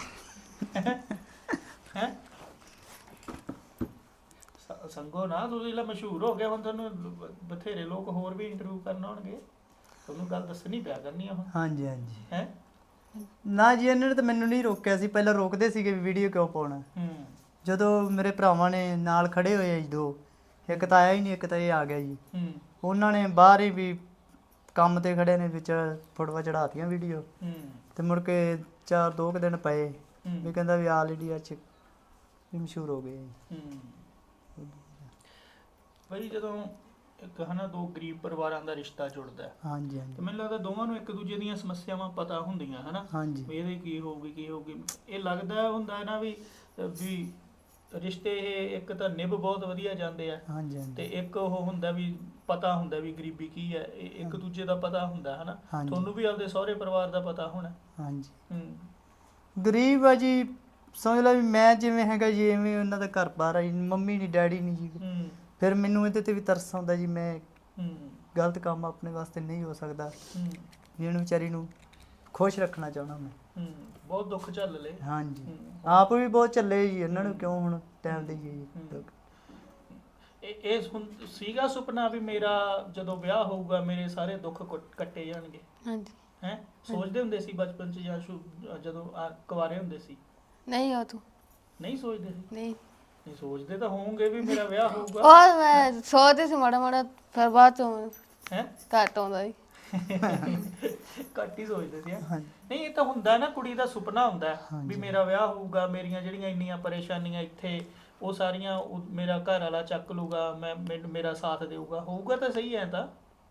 [SPEAKER 1] ਹੈ ਸੰਗੋ ਨਾ, ਤੁਸੀਂ ਜਿਹੜਾ ਮਸ਼ਹੂਰ ਹੋ ਗਿਆ ਹੁਣ, ਤੁਹਾਨੂੰ ਬਥੇਰੇ ਲੋਕ ਹੋਰ ਵੀ ਇੰਟਰਵਿਊ ਕਰਨ ਆਉਣਗੇ, ਤੁਹਾਨੂੰ ਗੱਲ ਦੱਸਣੀ ਪਿਆ ਕਰਨੀ ਆ ਹੁਣ।
[SPEAKER 3] ਹਾਂਜੀ ਹਾਂਜੀ।
[SPEAKER 1] ਹੈ
[SPEAKER 3] ਨਾ ਜੀ, ਇਹਨਾਂ ਨੇ ਤਾਂ ਮੈਨੂੰ ਨਹੀਂ ਰੋਕਿਆ ਸੀ, ਪਹਿਲਾਂ ਰੋਕਦੇ ਸੀਗੇ ਵੀ ਵੀਡੀਓ ਕਿਉਂ ਪਾਉਣਾ। ਜਦੋਂ ਮੇਰੇ ਭਰਾਵਾਂ ਨੇ ਨਾਲ ਖੜੇ ਹੋਏ ਆ ਜੀ, ਦੋ, ਇੱਕ ਤਾਂ ਆਇਆ ਹੀ ਨਹੀਂ, ਇੱਕ ਤਾਂ ਇਹ ਆ ਗਿਆ ਜੀ। ਉਹਨਾਂ ਨੇ ਬਾਹਰ ਹੀ ਵੀ ਕੰਮ ਤੇ ਖੜੇ ਨੇ, ਵਿੱਚ ਫੋਟੋਆਂ ਚੜਾਤੀਆਂ ਵੀਡੀਓ, ਤੇ ਮੁੜ ਕੇ 2 ਦਿਨ ਪਏ ਵੀ ਕਹਿੰਦਾ ਵੀ ਆਲ ਇੰਡੀਆ 'ਚ ਵੀ ਮਸ਼ਹੂਰ ਹੋ ਗਏ।
[SPEAKER 1] ਬਈ ਜਦੋਂ ਇੱਕ ਹਨਾ ਦੋ ਗਰੀਬ ਪਰਿਵਾਰਾਂ ਦਾ ਰਿਸ਼ਤਾ ਜੁੜਦਾ,
[SPEAKER 3] ਹਾਂਜੀ ਹਾਂਜੀ,
[SPEAKER 1] ਤੇ ਮੈਨੂੰ ਲੱਗਦਾ ਦੋਵਾਂ ਨੂੰ ਇੱਕ ਦੂਜੇ ਦੀਆਂ ਸਮੱਸਿਆਵਾਂ ਪਤਾ ਹੁੰਦੀਆਂ, ਹਨਾ, ਵੀ ਇਹਦੇ ਕੀ ਹੋਊਗੀ। ਇਹ ਲੱਗਦਾ ਹੁੰਦਾ ਨਾ ਵੀ ਰਿਸ਼ਤੇ ਇਹ ਇੱਕ ਤਾਂ ਨਿਭ ਬਹੁਤ ਵਧੀਆ ਜਾਂਦੇ ਆ, ਤੇ ਇੱਕ ਉਹ ਹੁੰਦਾ ਵੀ ਪਤਾ ਹੁੰਦਾ ਵੀ ਗਰੀਬੀ ਕੀ ਹੈ, ਇੱਕ ਦੂਜੇ ਦਾ ਪਤਾ ਹੁੰਦਾ, ਹਨਾ। ਤੁਹਾਨੂੰ ਵੀ ਆਪਦੇ ਸਹੁਰੇ ਪਰਿਵਾਰ ਦਾ ਪਤਾ ਹੋਣਾ?
[SPEAKER 3] ਹਾਂਜੀ। ਗਰੀਬ ਆ ਜੀ, ਸਮਝ ਲਓ ਵੀ ਮੈਂ ਜਿਵੇਂ ਹੈਗਾ ਜੀ ਐਵੇਂ ਉਹਨਾਂ ਦਾ ਘਰ ਬਾਹਰ ਆ ਜੀ, ਮੰਮੀ ਨਹੀਂ ਡੈਡੀ ਨਹੀਂ ਜੀ। ਫਿਰ ਮੈਨੂੰ ਇਹਦੇ ਤੇ ਵੀ ਤਰਸ ਆਉਂਦਾ ਜੀ, ਮੈਂ ਗਲਤ ਕੰਮ ਆਪਣੇ ਵਾਸਤੇ ਨਹੀਂ ਹੋ ਸਕਦਾ, ਜਿਹਨੂੰ ਵਿਚਾਰੀ ਨੂੰ ਖੁਸ਼ ਰੱਖਣਾ ਚਾਹੁੰਦਾ ਮੈਂ।
[SPEAKER 1] ਬਹੁਤ ਦੁੱਖ ਝੱਲ ਲਏ।
[SPEAKER 3] ਹਾਂਜੀ ਆਪ ਵੀ ਬਹੁਤ ਚੱਲੇ ਜੀ, ਉਹਨਾਂ ਨੂੰ ਕਿਉਂ ਹੁਣ ਟਾਈਮ ਦੇਈਏ ਜੀ ਦੁੱਖ।
[SPEAKER 1] ਇਹ ਸੀਗਾ ਸੁਪਨਾ ਵੀ ਮੇਰਾ ਜਦੋਂ ਵਿਆਹ ਹੋਊਗਾ ਮੇਰੇ ਸਾਰੇ ਦੁੱਖ ਕੱਟੇ ਜਾਣਗੇ?
[SPEAKER 2] ਹਾਂਜੀ।
[SPEAKER 1] ਹੈ ਸੋਚਦੇ ਹੁੰਦੇ ਸੀ ਬਚਪਨ ਚ ਜਾਂ ਜਦੋਂ ਕੁਆਰੇ ਹੁੰਦੇ ਸੀ?
[SPEAKER 2] ਨਹੀਂ ਉਹ ਤੂੰ
[SPEAKER 1] ਨਹੀਂ ਸੋਚਦੇ ਸੀ?
[SPEAKER 2] ਨਹੀਂ
[SPEAKER 1] ਨਹੀਂ ਸੋਚਦੇ ਤਾਂ ਹੋਵੋਗੇ ਵੀ ਮੇਰਾ ਵਿਆਹ ਹੋਊਗਾ।
[SPEAKER 2] ਉਹ ਮੈਂ ਸੋਚਦੀ ਸੀ ਮਾੜਾ ਮਾੜਾ, ਫਿਰ ਬਾਅਦ ਚੋਂ
[SPEAKER 1] ਹੈ
[SPEAKER 2] ਘੱਟ ਆਉਂਦਾ ਸੀ।
[SPEAKER 1] ਘੱਟ ਹੀ ਸੋਚਦੇ ਸੀ ਹੈਂ?
[SPEAKER 3] ਹਾਂਜੀ
[SPEAKER 1] ਨਹੀਂ ਇਹ ਤਾਂ ਹੁੰਦਾ ਨਾ, ਕੁੜੀ ਦਾ ਸੁਪਨਾ ਹੁੰਦਾ ਹੈ ਵੀ
[SPEAKER 3] ਹਾਂਜੀ।
[SPEAKER 1] ਮੇਰਾ ਵਿਆਹ ਹੋਊਗਾ, ਮੇਰੀਆਂ ਜਿਹੜੀਆਂ ਇੰਨੀਆਂ ਪਰੇਸ਼ਾਨੀਆਂ ਇੱਥੇ ਉਹ ਸਾਰੀਆਂ ਮੇਰਾ ਘਰ ਵਾਲਾ ਚੱਕ ਲੂਗਾ, ਮੈਨੂੰ ਮੇਰਾ ਸਾਥ ਦੇਊਗਾ, ਹੋਊਗਾ ਤਾਂ ਸਹੀ ਹੈ ਤਾਂ।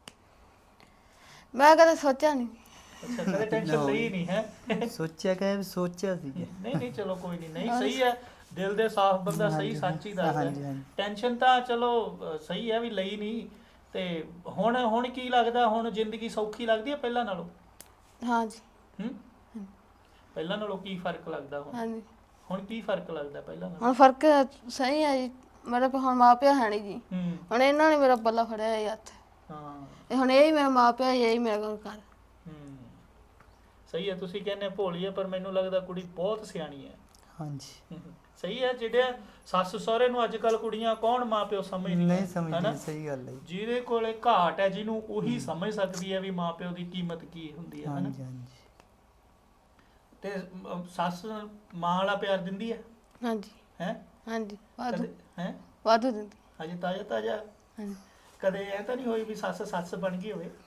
[SPEAKER 2] ਮੈਂ ਕਦੇ ਸੋਚਿਆ ਨਹੀਂ।
[SPEAKER 1] ਅੱਛਾ ਕਦੇ ਟੈਨਸ਼ਨ ਲਈ ਨਹੀਂ ਹੈ?
[SPEAKER 3] ਸੋਚਿਆ ਕਿ ਸੋਚਿਆ ਸੀ
[SPEAKER 1] ਨਹੀਂ ਨਹੀਂ ਚਲੋ ਕੋਈ ਨਹੀਂ ਸਹੀ ਹੈ, ਦਿਲ ਦੇ ਸਾਫ਼ ਬੰਦਾ ਸਹੀ
[SPEAKER 3] ਹਾਂਜੀ,
[SPEAKER 1] ਸੱਚ ਹੀ ਦੱਸਦਾ।
[SPEAKER 3] ਹਾਂਜੀ, ਹਾਂਜੀ।
[SPEAKER 1] ਟੈਨਸ਼ਨ ਤਾਂ ਚਲੋ ਸਹੀ ਹੈ ਵੀ ਲਈ ਨਹੀਂ। ਤੇ ਹੁਣ ਕੀ ਲੱਗਦਾ, ਹੁਣ ਜ਼ਿੰਦਗੀ ਸੌਖੀ ਲੱਗਦੀ ਹੈ ਪਹਿਲਾਂ ਨਾਲੋਂ?
[SPEAKER 2] ਹਾਂਜੀ
[SPEAKER 1] ਪਹਿਲਾਂ ਨਾਲੋਂ ਕੀ ਫਰਕ ਲੱਗਦਾ ਹੁਣ?
[SPEAKER 2] ਹਾਂਜੀ।
[SPEAKER 1] ਹੁਣ ਕੀ ਫਰਕ ਲੱਗਦਾ ਪਹਿਲਾਂ ਨਾਲੋਂ?
[SPEAKER 2] ਹੁਣ ਫਰਕ ਸਹੀ ਹੈ ਜੀ, ਮੇਰੇ ਕੋਲ ਹੁਣ ਮਾਂ ਪਿਓ ਹੈ ਨਹੀਂ ਜੀ।
[SPEAKER 1] ਹੂੰ
[SPEAKER 2] ਹੁਣ ਇਹਨਾਂ ਨੇ ਮੇਰਾ ਪੱਲਾ ਫੜਿਆ ਹੈ ਹੱਥ,
[SPEAKER 1] ਹਾਂ
[SPEAKER 2] ਇਹ ਹੁਣ ਇਹ ਹੀ ਮੇਰਾ ਮਾਂ ਪਿਓ, ਇਹ ਹੀ ਮੇਰਾ ਘਰ।
[SPEAKER 1] ਹੂੰ ਸਹੀ ਹੈ। ਤੁਸੀਂ ਕਹਿੰਦੇ ਭੋਲੀ ਹੈ, ਪਰ ਮੈਨੂੰ ਲੱਗਦਾ ਕੁੜੀ ਬਹੁਤ ਸਿਆਣੀ ਹੈ।
[SPEAKER 3] ਹਾਂਜੀ
[SPEAKER 1] ਸਹੀ ਹੈ। ਜਿਹੜੇ ਸੱਸ ਸਹੁਰੇ ਨੂੰ ਅੱਜ ਕੱਲ ਕੁੜੀਆਂ ਕੌਣ ਮਾਂ ਪਿਓ ਸਮਝਦੀਆਂ
[SPEAKER 3] ਨਹੀਂ
[SPEAKER 1] ਹਨਾ?
[SPEAKER 3] ਸਮਝਦੀ, ਸਹੀ ਗੱਲ ਹੈ ਜੀ।
[SPEAKER 1] ਜਿਹਦੇ ਕੋਲੇ ਘਾਟ ਹੈ ਜਿਹਨੂੰ ਉਹੀ ਸਮਝ ਸਕਦੀ ਹੈ ਵੀ ਮਾਂ ਪਿਓ ਦੀ ਕੀਮਤ ਕੀ ਹੁੰਦੀ ਹੈ ਹਨਾ?
[SPEAKER 3] ਹਾਂਜੀ ਹਾਂਜੀ
[SPEAKER 1] ਤੇ ਸੱਸ ਮਾਂ ਵਾਲਾ ਪਿਆਰ ਦਿੰਦੀ ਹੈ
[SPEAKER 2] ਹਾਂਜੀ
[SPEAKER 1] ਹੈ?
[SPEAKER 2] ਹਾਂਜੀ ਵਾਧੂ
[SPEAKER 1] ਕਦੇ ਹੈ
[SPEAKER 2] ਵਾਧੂ ਦਿੰਦੀ।
[SPEAKER 1] ਹਜੇ ਤਾਜ਼ਾ ਤਾਜ਼ਾ
[SPEAKER 2] ਹਾਂਜੀ
[SPEAKER 1] ਕਦੇ ਐ ਤਾਂ ਨਹੀਂ ਹੋਈ ਵੀ ਸੱਸ ਬਣ ਗਈ ਹੋਵੇ?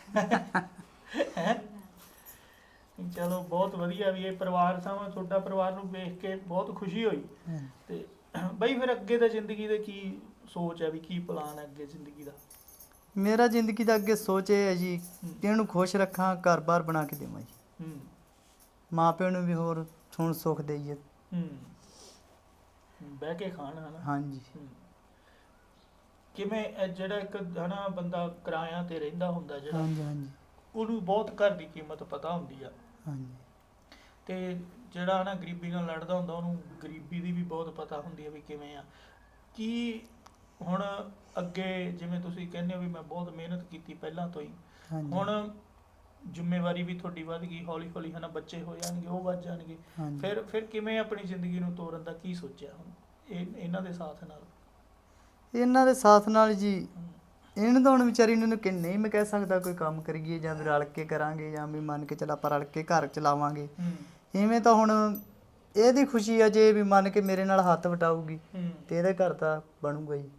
[SPEAKER 1] ਹੈ ਚਲੋ ਬਹੁਤ ਵਧੀਆ ਵੀ ਇਹ ਪਰਿਵਾਰ ਸਾਵਾ ਤੁਹਾਡਾ ਪਰਿਵਾਰ ਨੂੰ ਵੇਖ ਕੇ ਬਹੁਤ ਖੁਸ਼ੀ ਹੋਈ।
[SPEAKER 3] ਹਾਂਜੀ।
[SPEAKER 1] ਤੇ ਬਈ ਫਿਰ ਅੱਗੇ ਦਾ ਜ਼ਿੰਦਗੀ ਦੇ ਕੀ ਸੋਚ ਹੈ ਵੀ ਕੀ ਪਲਾਨ ਹੈ ਅੱਗੇ ਜ਼ਿੰਦਗੀ ਦਾ?
[SPEAKER 3] ਮੇਰਾ ਜ਼ਿੰਦਗੀ ਦਾ ਅੱਗੇ ਸੋਚ ਇਹ ਹੈ ਜੀ ਕਿ ਇਹਨੂੰ ਖੁਸ਼ ਰੱਖਾਂ, ਘਰ-ਬਾਰ ਬਣਾ ਕੇ ਦੇਵਾਂ ਜੀ,
[SPEAKER 1] ਹੂੰ
[SPEAKER 3] ਮਾਂ ਪਿਓ ਨੂੰ ਵੀ ਹੋਰ ਹੁਣ ਸੁੱਖ ਦੇਈਏ।
[SPEAKER 1] ਹੂੰ ਬਹਿ ਕੇ ਖਾਣ ਹਨਾ?
[SPEAKER 3] ਹਾਂਜੀ
[SPEAKER 1] ਹੂੰ। ਕਿਵੇਂ ਜਿਹੜਾ ਇੱਕ ਹਨਾ ਬੰਦਾ ਕਿਰਾਇਆਂ ਤੇ ਰਹਿੰਦਾ ਹੁੰਦਾ ਜਿਹੜਾ,
[SPEAKER 3] ਹਾਂਜੀ ਹਾਂਜੀ
[SPEAKER 1] ਉਹਨੂੰ ਬਹੁਤ ਘਰ ਦੀ ਕੀਮਤ ਪਤਾ ਹੁੰਦੀ ਆ,
[SPEAKER 3] ਹਾਂਜੀ
[SPEAKER 1] ਤੇ ਜਿਹੜਾ ਨਾ ਗਰੀਬੀ ਨਾਲ ਲੜਦਾ ਹੁੰਦਾ ਉਹਨੂੰ ਗਰੀਬੀ ਦੀ ਵੀ ਬਹੁਤ ਪਤਾ ਹੁੰਦੀ ਹੈ ਵੀ ਕਿਵੇਂ ਆ। ਕੀ ਹੁਣ ਅੱਗੇ ਜਿਵੇਂ ਤੁਸੀਂ ਕਹਿੰਦੇ ਹੋ ਵੀ ਮੈਂ ਬਹੁਤ ਮਿਹਨਤ ਕੀਤੀ ਪਹਿਲਾਂ ਤੋਂ ਹੀ,
[SPEAKER 3] ਹਾਂਜੀ
[SPEAKER 1] ਹੁਣ ਜ਼ਿੰਮੇਵਾਰੀ ਵੀ ਤੁਹਾਡੀ ਵੱਧ ਗਈ, ਹੌਲੀ ਹੌਲੀ ਹਨਾ ਬੱਚੇ ਹੋ ਜਾਣਗੇ, ਉਹ ਵੱਧ ਜਾਣਗੇ,
[SPEAKER 3] ਹਾਂਜੀ।
[SPEAKER 1] ਫਿਰ ਕਿਵੇਂ ਆਪਣੀ ਜ਼ਿੰਦਗੀ ਨੂੰ ਤੋਰਨ ਦਾ ਕੀ ਸੋਚਿਆ ਹੁਣ ਇਹਨਾਂ ਦੇ ਸਾਥ ਨਾਲ?
[SPEAKER 3] ਇਹਨਾਂ ਦੇ ਸਾਥ ਨਾਲ ਜੀ
[SPEAKER 1] ਹਮ,
[SPEAKER 3] ਇਹਨੂੰ ਤਾਂ ਹੁਣ ਵਿਚਾਰੀ ਨੂੰ ਕਿ ਨਹੀਂ ਮੈਂ ਕਹਿ ਸਕਦਾ ਕੋਈ ਕੰਮ ਕਰੀਏ ਜਾਂ ਵੀ ਰਲ ਕੇ ਕਰਾਂਗੇ ਜਾਂ ਵੀ ਮੰਨ ਕੇ ਚੱਲ ਆਪਾਂ ਰਲ ਕੇ ਘਰ ਚਲਾਵਾਂਗੇ।
[SPEAKER 1] ਹਮ,
[SPEAKER 3] ਇਵੇਂ ਤਾਂ ਹੁਣ ਇਹਦੀ ਖੁਸ਼ੀ ਆ ਜੇ ਵੀ ਮੰਨ ਕੇ ਮੇਰੇ ਨਾਲ ਹੱਥ ਵਟਾਊਗੀ
[SPEAKER 1] ਹਮ,
[SPEAKER 3] ਤੇ ਇਹਦੇ ਘਰ ਤਾਂ ਬਣੂਗਾ ਜੀ।